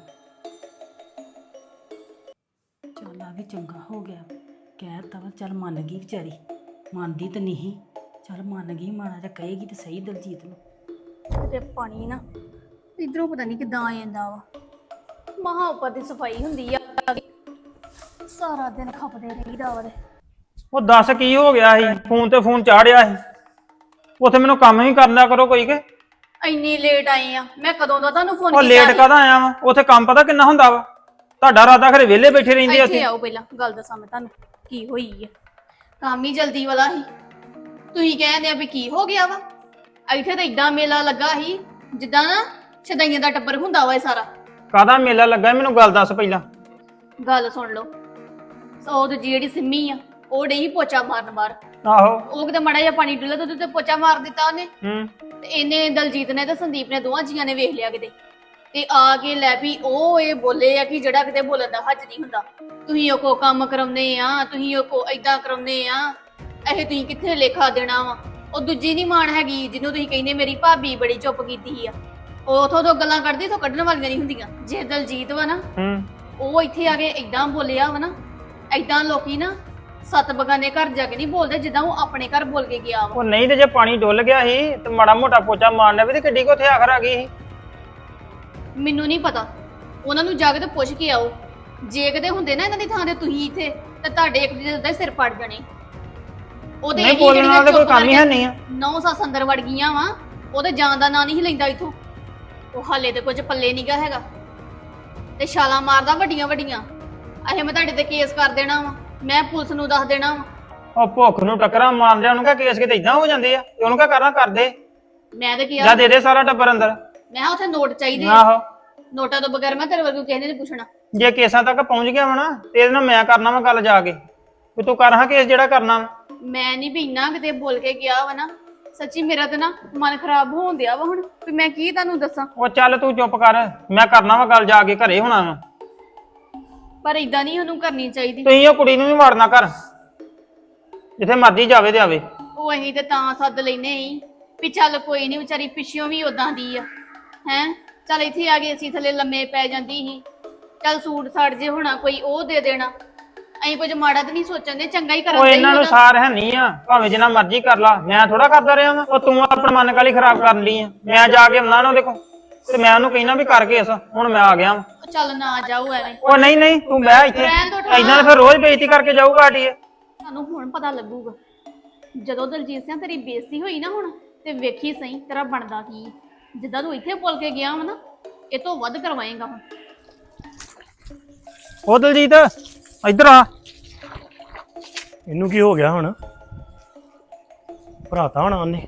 [SPEAKER 3] ਚੱਲ ਆ ਵੀ ਚੰਗਾ ਹੋ ਗਿਆ, ਕਹਿ ਤਾ ਵਾ, ਚੱਲ ਮੰਨ ਗਈ ਵਿਚਾਰੀ, ਮੰਨਦੀ ਤਾਂ ਨਹੀਂ, ਚੱਲ ਮੰਨ ਗਈ, ਮਾੜਾ ਜਿਹਾ ਕਹੇਗੀ ਤੇ ਸਹੀ ਦਲਜੀਤ ਨੂੰ।
[SPEAKER 4] ਤੇ ਪਾਣੀ ਨਾ ਇਧਰੋਂ ਪਤਾ ਨਹੀਂ ਕਿੱਦਾਂ ਆ ਜਾਂਦਾ ਵਾ। ਮਹਾ ਉੱਪਰ ਦੀ ਸਫਾਈ ਹੁੰਦੀ ਆ, ਸਾਰਾ ਦਿਨ ਖਪਦੇ ਰਹੀਦਾ ਵਾ।
[SPEAKER 8] ਉਹ ਦੱਸ ਕੀ ਹੋ ਗਿਆ ਸੀ? ਫੋਨ ਤੇ ਫੋਨ ਚਾੜਿਆ ਸੀ, ਉੱਥੇ ਮੈਨੂੰ ਕੰਮ ਹੀ ਕਰਨਾ ਕਰੋ ਕੋਈ ਕੇ।
[SPEAKER 4] ਇੰਨੀ ਲੇਟ ਆਈ ਆ ਮੈਂ, ਕਦੋਂ ਦਾ ਤੁਹਾਨੂੰ ਫੋਨ
[SPEAKER 8] ਉਹ ਲੇਟ ਕਾਹਦਾ ਆਇਆ ਵਾ? ਉੱਥੇ ਕੰਮ ਪਤਾ ਕਿੰਨਾ ਹੁੰਦਾ ਵਾ? ਤੁਹਾਡਾ ਰਾਦਾ ਖਰੇ ਵਿਹਲੇ ਬੈਠੇ ਰਹਿੰਦੇ ਆ
[SPEAKER 4] ਇੱਥੇ
[SPEAKER 8] ਉੱਥੇ।
[SPEAKER 4] ਆਓ ਪਹਿਲਾਂ ਗੱਲ ਦੱਸਾਂ ਮੈਂ ਤੁਹਾਨੂੰ ਕੀ ਹੋਈ ਆ। ਕੰਮ ਹੀ ਜਲਦੀ ਵਾਲਾ ਸੀ, ਤੁਸੀਂ ਕਹਿੰਦੇ ਆ ਵੀ ਕੀ ਹੋ ਗਿਆ ਵਾ। ਇੱਥੇ ਤਾਂ ਇਦਾਂ ਮੇਲਾ ਲੱਗਾ ਸੀ ਜਿੱਦਾਂ ਨਾ ਛਦਾਈਆਂ ਦਾ ਟੱਬਰ ਹੁੰਦਾ ਵਾ ਇਹ ਸਾਰਾ।
[SPEAKER 8] ਕਾਹਦਾ ਮੇਲਾ ਲੱਗਾ ਮੈਨੂੰ ਗੱਲ ਦੱਸ ਪਹਿਲਾਂ।
[SPEAKER 4] ਗੱਲ ਸੁਣ ਲਓ, ਉਹ ਤੇ ਜਿਹੜੀ ਸਿੰਮੀ ਆ ਉਹ ਡਈ ਪੋਚਾ ਮਾਰਨ ਬਾਹਰ।
[SPEAKER 8] ਆਹੋ
[SPEAKER 4] ਉਹ ਕਿਤੇ ਮਾੜਾ ਜਿਹਾ ਪਾਣੀ ਡੁੱਲਾ ਤੇ ਉਹਦੇ ਤੇ ਪੋਚਾ ਮਾਰ ਦਿੱਤਾ ਉਹਨੇ।
[SPEAKER 8] ਹੂੰ,
[SPEAKER 4] ਤੇ ਇਹਨੇ ਦਲਜੀਤ ਨੇ ਤੇ ਸੰਦੀਪ ਨੇ ਦੋਵਾਂ ਜੀਆਂ ਨੇ ਵੇਖ ਲਿਆ ਕਿਤੇ, ਤੇ ਆ ਕੇ ਲੈ ਵੀ ਉਹ ਇਹ ਬੋਲੇ ਆ ਕਿ ਜਿਹੜਾ ਕਿਤੇ ਬੋਲਣ ਦਾ ਹੱਜ ਨਹੀਂ ਹੁੰਦਾ। ਤੁਸੀਂ ਉਹ ਕੋ ਕੰਮ ਕਰਾਉਂਦੇ ਆ, ਤੁਸੀਂ ਉਹ ਕੋ ਏਦਾਂ ਕਰਾਉਂਦੇ ਆ, ਇਹ ਤੁਸੀਂ ਕਿੱਥੇ ਲੇਖਾ ਦੇਣਾ ਵਾ। ਉਹ ਦੂਜੀ ਨਹੀਂ ਮਾਣ ਹੈਗੀ ਜਿਹਨੂੰ ਤੁਸੀਂ ਕਹਿੰਦੇ ਮੇਰੀ ਭਾਬੀ ਬੜੀ ਚੁੱਪ ਕੀਤੀ ਆ, ਉਹ ਉਥੋਂ ਤੋਂ ਗੱਲਾਂ ਕਰਦੀ, ਤੋਂ ਕੱਢਣ ਵਾਲੀਆਂ ਨਹੀਂ ਹੁੰਦੀਆਂ। ਜੇ ਦਲਜੀਤ ਵਾ ਨਾ,
[SPEAKER 8] ਹੂੰ,
[SPEAKER 4] ਉਹ ਇੱਥੇ ਆ ਕੇ ਏਦਾਂ ਬੋਲਿਆ ਵਾ ਨਾ, ਏਦਾਂ ਲੋਕੀ ਨਾ ਸੱਤ ਬਗਾਨੇ ਘਰ ਜਾ ਕੇ ਨਹੀਂ ਬੋਲਦੇ ਜਿੱਦਾਂ ਉਹ ਆਪਣੇ ਘਰ ਬੋਲ ਕੇ ਗਿਆ ਵਾ।
[SPEAKER 8] ਉਹ ਨਹੀਂ ਤੇ ਜੇ ਪਾਣੀ ਡੁੱਲ ਗਿਆ ਸੀ ਤੇ ਮਾੜਾ ਮੋਟਾ ਪੋਚਾ ਮਾਰਨਾ ਵੀ ਤੇ ਕਿੱਡੀ ਕੋ ਉੱਥੇ ਆਖਰ ਆ ਗਈ ਸੀ।
[SPEAKER 4] ਮੈਨੂੰ ਨਹੀਂ ਪਤਾ, ਉਹਨਾਂ ਨੂੰ ਜਾ ਕੇ ਤੇ ਪੁੱਛ ਕੇ ਆਓ। ਜੇ ਕਦੇ ਹੁੰਦੇ ਨਾ ਇਹਨਾਂ ਦੀ ਥਾਂ ਤੇ ਤੁਸੀਂ ਇੱਥੇ, ਤੇ ਤੁਹਾਡੇ ਇੱਕ ਦੂਜੇ ਦਾ ਸਿਰ ਪੜ ਜਾਣੇ। ਉਹਦੇ
[SPEAKER 8] ਨਹੀਂ ਬੋਲਣ ਨਾਲ ਤਾਂ ਕੋਈ ਕੰਮ ਹੀ ਹੈ ਨਹੀਂ ਆ।
[SPEAKER 4] 9 ਸੱਸ ਅੰਦਰ ਵੜ ਗਈਆਂ ਵਾ, ਉਹਦੇ ਜਾਣ ਦਾ ਨਾਂ ਨਹੀਂ ਲੈਂਦਾ ਇੱਥੋਂ। ਉਹ ਹਾਲੇ ਤੇ ਕੁਝ ਪੱਲੇ ਨਹੀਂਗਾ ਹੈਗਾ, ਤੇ ਛਾਲਾਂ ਮਾਰਦਾ ਵੱਡੀਆਂ ਵੱਡੀਆਂ। ਅਹੇ ਮੈਂ ਤੁਹਾਡੇ ਤੇ ਕੇਸ ਕਰ ਦੇਣਾ ਵਾ, ਮੈਂ ਪੁਲਿਸ ਨੂੰ ਦੱਸ ਦੇਣਾ ਵਾ।
[SPEAKER 8] ਉਹ ਭੁੱਖ ਨੂੰ ਟੱਕਰਾਂ ਮਾਰਦੇ ਉਹਨੂੰ ਕਹ ਕੇਸ ਕਿਤੇ ਇਦਾਂ ਹੋ ਜਾਂਦੇ ਆ, ਤੇ ਉਹਨੂੰ ਕਹ ਕਰਨਾ ਕਰਦੇ
[SPEAKER 4] ਮੈਂ ਤੇ
[SPEAKER 8] ਜਾਂ
[SPEAKER 4] ਕਿਹਾ
[SPEAKER 8] ਦੇ ਦੇ ਸਾਰਾ ਟੱਬਰ ਅੰਦਰ।
[SPEAKER 4] ਮੈਂ ਕਿਹਾ ਉੱਥੇ ਨੋਟ ਚਾਹੀਦੇ ਆ।
[SPEAKER 8] ਆਹੋ,
[SPEAKER 4] ਨੋਟਾਂ ਤੋਂ ਬਗੈਰ ਮੈਂ ਤੇਰੇ ਵਰਗੂ ਕਿਸੇ ਨੇ ਨਹੀਂ ਪੁੱਛਣਾ।
[SPEAKER 8] ਜੇ ਕੇਸਾਂ ਤੱਕ ਪਹੁੰਚ ਗਿਆ ਵਾ ਨਾ ਤੇ ਇਹਦੇ ਨਾਲ ਮੈਂ ਕਰਨਾ ਵਾ ਗੱਲ ਜਾ ਕੇ, ਵੀ ਤੂੰ ਕਰ ਹਾਂ ਕੇਸ ਜਿਹੜਾ ਕਰਨਾ ਵਾ।
[SPEAKER 4] ਮੈਂ ਨਹੀਂ ਵੀ ਇੰਨਾ ਕਿਤੇ ਬੋਲ ਕੇ ਗਿਆ ਵਾ ਨਾ, ਸੱਚੀ ਮੇਰਾ ਤਾਂ ਨਾ ਮਨ ਖਰਾਬ ਹੋਣ ਦਿਆ ਵਾ ਹੁਣ, ਵੀ ਮੈਂ ਕੀ ਤੁਹਾਨੂੰ ਦੱਸਾਂ।
[SPEAKER 8] ਉਹ ਚੱਲ ਤੂੰ ਚੁੱਪ ਕਰ, ਮੈਂ ਕਰਨਾ ਵਾ ਗੱਲ ਜਾ ਕੇ, ਘਰੇ ਹੋਣਾ ਵਾ।
[SPEAKER 4] ਪਰ ਇਦਾਂ ਨਹੀਂ ਉਹਨੂੰ ਕਰਨੀ ਚਾਹੀਦੀ।
[SPEAKER 8] ਤੁਸੀਂ ਉਹ ਕੁੜੀ ਨੂੰ ਵੀ ਵਾੜਨਾ ਕਰ, ਜਿੱਥੇ ਮਰਜੀ ਜਾਵੇ ਤੇ ਆਵੇ।
[SPEAKER 4] ਉਹ ਅਸੀਂ ਤੇ ਤਾਂ ਸੱਦ ਲੈਨੇ ਹੀ ਵੀ ਚੱਲ ਕੋਈ ਨਹੀਂ, ਵਿਚਾਰੀ ਪਿੱਛੋਂ ਵੀ ਉਦਾਂ ਦੀ ਆ ਹੈ। ਚੱਲ ਇੱਥੇ ਆ ਕੇ ਅਸੀਂ ਥੱਲੇ ਲੰਮੇ ਪੈ ਜਾਂਦੀ ਸੀ, ਚੱਲ ਸੂਟ ਸਾੜ ਜੇ ਹੋਣਾ ਕੋਈ ਉਹ ਦੇ ਦੇਣਾ। ਅਸੀਂ ਕੁਝ ਮਾੜਾ ਤਾਂ ਨਹੀਂ ਸੋਚਣ ਦੇ, ਚੰਗਾ ਹੀ
[SPEAKER 8] ਉਹ
[SPEAKER 4] ਕਰਨ ਦੇ
[SPEAKER 8] ਇਹਨਾਂ ਨੂੰ ਸਾਰ ਹੈ ਨਹੀਂ ਆ, ਭਾਵੇਂ ਜਿੰਨਾ ਮਰਜ਼ੀ ਕਰ ਲਾ, ਮੈਂ ਥੋੜਾ ਕਰਦਾ ਰਿਹਾ ਵਾਂ। ਉਹ ਤੂੰ ਆਪਣਾ ਮਨ ਕਾਲੀ ਖਰਾਬ ਕਰਨ ਲਈ ਆ। ਮੈਂ ਜਾ ਕੇ ਆਉਣਾ ਨਾ ਉਹਦੇ ਕੋਲ ਤੇ ਮੈਂ ਉਹਨੂੰ ਕਹਿਣਾ ਵੀ ਕਰਕੇ ਇਸ ਹੁਣ ਮੈਂ ਆ ਗਿਆ ਵਾਂ।
[SPEAKER 4] ਚੱਲ ਨਾ ਜਾਓ ਐਵੇਂ,
[SPEAKER 8] ਉਹ ਨਹੀਂ ਨਹੀਂ ਤੂੰ ਬਹਿ ਇੱਥੇ,
[SPEAKER 4] ਰਹਿਣ ਦਿਓ ਠਾ।
[SPEAKER 8] ਏਦਾਂ ਫਿਰ ਰੋਜ਼ ਬੇਇੱਜ਼ਤੀ ਕਰਕੇ ਜਾਊਗਾ ਆਟੀ।
[SPEAKER 4] ਤੁਹਾਨੂੰ ਹੁਣ ਪਤਾ ਲੱਗੂਗਾ ਜਦੋਂ ਦਲਜੀਤ ਸਿੰਘ ਤੇਰੀ ਬੇਇੱਜ਼ਤੀ ਹੋਈ ਨਾ ਹੁਣ, ਤੇ ਵੇਖੀ ਸਹੀ ਤੇਰਾ ਬਣਦਾ ਕੀ। ਜਿੱਦਾਂ ਤੂੰ ਇੱਥੇ ਬੋਲ ਕੇ ਗਿਆ ਵਾ ਨਾ, ਇਹ ਤੋਂ ਵੱਧ ਕਰਵਾਏਗਾ ਹੁਣ।
[SPEAKER 8] ਉਹ ਦਲਜੀਤ ਇੱਧਰ ਆ।
[SPEAKER 2] ਇਹਨੂੰ ਕੀ ਹੋ ਗਿਆ ਹੁਣ? ਭਰਾਤਾ ਹੋਣਾ ਉਹਨੇ।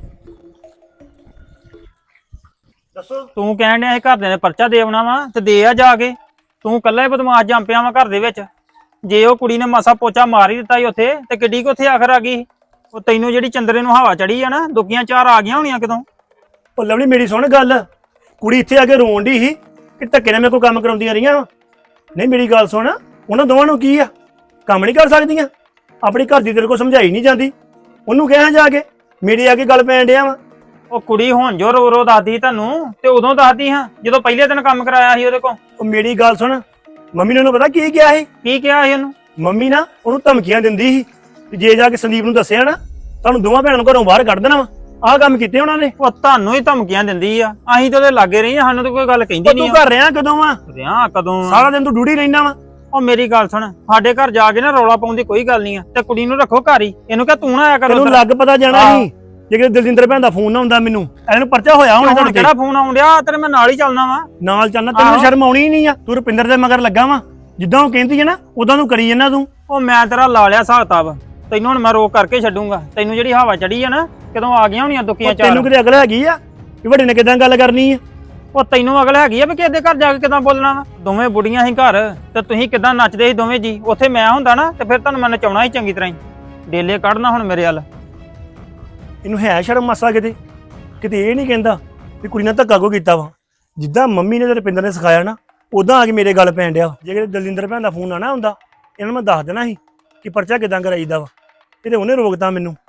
[SPEAKER 2] ਦੱਸੋ।
[SPEAKER 8] ਤੂੰ ਕਹਿਣ ਡਿਆ ਇਹ ਘਰਦਿਆਂ ਨੇ ਪਰਚਾ ਦੇ ਆਉਣਾ ਵਾ ਤੇ ਦੇ ਆ ਜਾ ਕੇ। ਤੂੰ ਕੱਲਾ ਹੀ ਬਦਮਾਸ਼ ਜੰਮ ਪਿਆ ਵਾ ਘਰ ਦੇ ਵਿੱਚ। ਜੇ ਉਹ ਕੁੜੀ ਨੇ ਮਾਸਾ ਪੋਚਾ ਮਾਰ ਹੀ ਦਿੱਤਾ ਸੀ ਉੱਥੇ ਤੇ ਕਿੱਡੀ ਕੁ ਉੱਥੇ ਆਖਰ ਆ ਗਈ। ਉਹ ਤੈਨੂੰ ਜਿਹੜੀ ਚੰਦਰੇ ਨੂੰ ਹਵਾ ਚੜੀ ਆ ਨਾ, ਦੁੱਗੀਆਂ ਚਾਰ ਆ ਗਈਆਂ ਹੋਣੀਆਂ ਕਿਦੋਂ।
[SPEAKER 2] ਉਹ ਲਵਲੀ ਮੇਰੀ ਸੁਣ ਗੱਲ, ਕੁੜੀ ਇੱਥੇ ਆ ਕੇ ਰੋਣ ਡਈ ਸੀ ਕਿ ਧੱਕੇ ਨਾਲ ਮੇਰੇ ਕੋਲ ਕੰਮ ਕਰਾਉਂਦੀਆਂ ਰਹੀਆਂ। ਨਹੀਂ ਮੇਰੀ ਗੱਲ ਸੁਣ, ਉਹਨਾਂ ਦੋਵਾਂ ਨੂੰ ਕੀ ਆ, ਕੰਮ ਨਹੀਂ ਕਰ ਸਕਦੀਆਂ? ਆਪਣੀ ਘਰ ਦੀ ਤੇਰੇ ਕੋਲ ਸਮਝਾਈ ਨਹੀਂ ਜਾਂਦੀ, ਉਹਨੂੰ ਕਹਿਆ ਜਾ ਕੇ ਮੇਰੇ ਆ ਕੇ ਗੱਲ ਪੈਣ ਡਿਆ ਵਾ।
[SPEAKER 8] ਉਹ ਕੁੜੀ ਹੁਣ ਜੋ ਰੋ ਰੋ ਦੱਸਦੀ ਤੁਹਾਨੂੰ ਤੇ ਉਦੋਂ ਦੱਸਦੀ ਹਾਂ ਜਦੋਂ ਪਹਿਲੇ ਦਿਨ ਕੰਮ ਕਰਾਇਆ ਸੀ ਉਹਦੇ ਕੋਲ।
[SPEAKER 2] ਉਹ ਮੇਰੀ ਗੱਲ ਸੁਣ, ਮੰਮੀ ਨੇ ਉਹਨੂੰ ਪਤਾ ਕੀ ਕਿਹਾ ਸੀ?
[SPEAKER 8] ਕੀ ਕਿਹਾ ਸੀ ਉਹਨੂੰ?
[SPEAKER 2] ਮੰਮੀ ਨਾ ਉਹਨੂੰ ਧਮਕੀਆਂ ਦਿੰਦੀ ਸੀ ਕਿ ਜੇ ਜਾ ਕੇ ਸੰਦੀਪ ਨੂੰ ਦੱਸਿਆ ਨਾ ਤੁਹਾਨੂੰ ਦੋਵਾਂ ਭੈਣਾਂ ਨੂੰ ਘਰੋਂ ਬਾਹਰ ਕੱਢ ਦੇਣਾ ਵਾ। ਆਹ ਕੰਮ ਕੀਤੇ ਉਹਨਾਂ ਨੇ।
[SPEAKER 8] ਉਹ ਤੁਹਾਨੂੰ ਹੀ ਧਮਕੀਆਂ ਦਿੰਦੀ ਆ, ਅਸੀਂ ਤੇ ਉਹਦੇ ਲਾਗੇ ਰਹੀ, ਸਾਨੂੰ ਤਾਂ ਕੋਈ ਗੱਲ ਕਹਿੰਦੀ
[SPEAKER 2] ਤੂੰ
[SPEAKER 8] ਨਹੀਂ
[SPEAKER 2] ਘਰ ਰਿਹਾ ਕਦੋਂ ਵਾ?
[SPEAKER 8] ਰਿਹਾ ਕਦੋਂ ਆ?
[SPEAKER 2] ਸਾਰਾ ਦਿਨ ਤੂੰ ਡਿਊਟੀ ਰਹਿਣਾ ਵਾ।
[SPEAKER 8] ਉਹ ਮੇਰੀ ਗੱਲ ਸੁਣ, ਸਾਡੇ ਘਰ ਜਾ ਕੇ ਨਾ ਰੌਲਾ ਪਾਉਣ ਦੀ ਕੋਈ ਗੱਲ ਨਹੀਂ ਆ, ਤੇ ਕੁੜੀ ਨੂੰ ਰੱਖੋ ਘਰ ਹੀ। ਇਹਨੂੰ ਕਹ ਤੂੰ ਨਾ ਆਇਆ ਕਰ
[SPEAKER 2] ਤੈਨੂੰ
[SPEAKER 8] ਉੱਧਰ।
[SPEAKER 2] ਲੱਗ ਪਤਾ ਜਾਣਾ ਸੀ ਜੇ ਕਿਤੇ ਦਲਜਿੰਦਰ ਭੈਣ ਦਾ ਫੋਨ ਨਾ ਹੁੰਦਾ ਮੈਨੂੰ, ਇਹਨੂੰ ਪਰਚਾ ਹੋਇਆ ਹੋਣਾ।
[SPEAKER 8] ਹੁਣ ਕਿਹੜਾ ਫੋਨ ਆਉਣ ਡਿਆ? ਤੇਰੇ ਮੈਂ ਨਾਲ ਹੀ ਚੱਲਣਾ ਵਾ।
[SPEAKER 2] ਨਾਲ ਚੱਲਣਾ, ਤੈਨੂੰ ਸ਼ਰਮ ਆਉਣੀ ਨਹੀਂ ਆ। ਤੂੰ ਰੁਪਿੰਦਰ ਦੇ ਮਗਰ ਲੱਗਾ ਵਾ, ਜਿੱਦਾਂ ਉਹ ਕਹਿੰਦੀ ਹੈ ਨਾ ਉਦਾਂ ਤੂੰ ਕਰੀ ਜਾਂਦਾ ਤੂੰ।
[SPEAKER 8] ਉਹ ਮੈਂ ਤੇਰਾ ਲਾ ਲਿਆ ਹਿਸਾਬ ਕਿਤਾਬ, ਤੈਨੂੰ ਹੁਣ ਮੈਂ ਰੋਕ ਕਰਕੇ ਛੱਡੂੰਗਾ। ਤੈਨੂੰ ਜਿਹੜੀ ਹਵਾ ਚੜੀ ਆ ਨਾ, ਕਦੋਂ ਆ ਗਈਆਂ ਹੋਣੀਆਂ ਦੁੱਕੀਆਂ ਚਾਰ।
[SPEAKER 2] ਤੈਨੂੰ ਕਿਤੇ ਅਕਲ ਹੈਗੀ ਆ ਕਿ ਵੱਡੇ ਨੇ ਕਿਦਾਂ ਗੱਲ ਕਰਨੀ ਆ?
[SPEAKER 8] ਉਹ ਤੈਨੂੰ ਅਗਲ ਹੈਗੀ ਆ ਵੀ ਕਿਸੇ ਦੇ ਘਰ ਜਾ ਕੇ ਕਿਦਾਂ ਬੋਲਣਾ ਵਾ? ਦੋਵੇਂ ਬੁੜੀਆਂ ਸੀ ਘਰ ਤੇ ਤੁਸੀਂ ਕਿਦਾਂ ਨੱਚਦੇ ਸੀ ਦੋਵੇਂ ਜੀ। ਉੱਥੇ ਮੈਂ ਹੁੰਦਾ ਨਾ ਤੇ ਫਿਰ ਤੁਹਾਨੂੰ ਮੈਂ ਨਚਾਉਣਾ ਹੀ ਚੰਗੀ ਤਰ੍ਹਾਂ ਹੀ। ਡੇਲੇ ਕੱਢਣਾ ਹੁਣ ਮੇਰੇ ਵੱਲ।
[SPEAKER 2] ਇਹਨੂੰ ਹੈ ਸ਼ਰਮ ਮਾਸਾ ਕਿਤੇ ਇਹ ਨਹੀਂ ਕਹਿੰਦਾ ਵੀ ਕੁੜੀ ਨਾਲ ਧੱਕਾ ਕੋ ਕੀਤਾ ਵਾ। ਜਿੱਦਾਂ ਮੰਮੀ ਨੇ ਤੇ ਰੁਪਿੰਦਰ ਨੇ ਸਿਖਾਇਆ ਨਾ, ਉਦਾਂ ਆ ਕੇ ਮੇਰੇ ਗੱਲ ਪੈਣ ਡਿਆ। ਜੇ ਕਿਤੇ ਦਲਜਿੰਦਰ ਭੈਣ ਦਾ ਫੋਨ ਆਣਾ ਹੁੰਦਾ, ਇਹਨਾਂ ਨੂੰ ਮੈਂ ਦੱਸ ਦੇਣਾ ਸੀ ਕਿ ਪਰਚਾ ਕਿਦਾਂ ਕਰਾਈਦਾ ਵਾ। ਇਹ ਤੇ ਉਹਨੇ ਰੋਕਤਾ ਮੈਨੂੰ।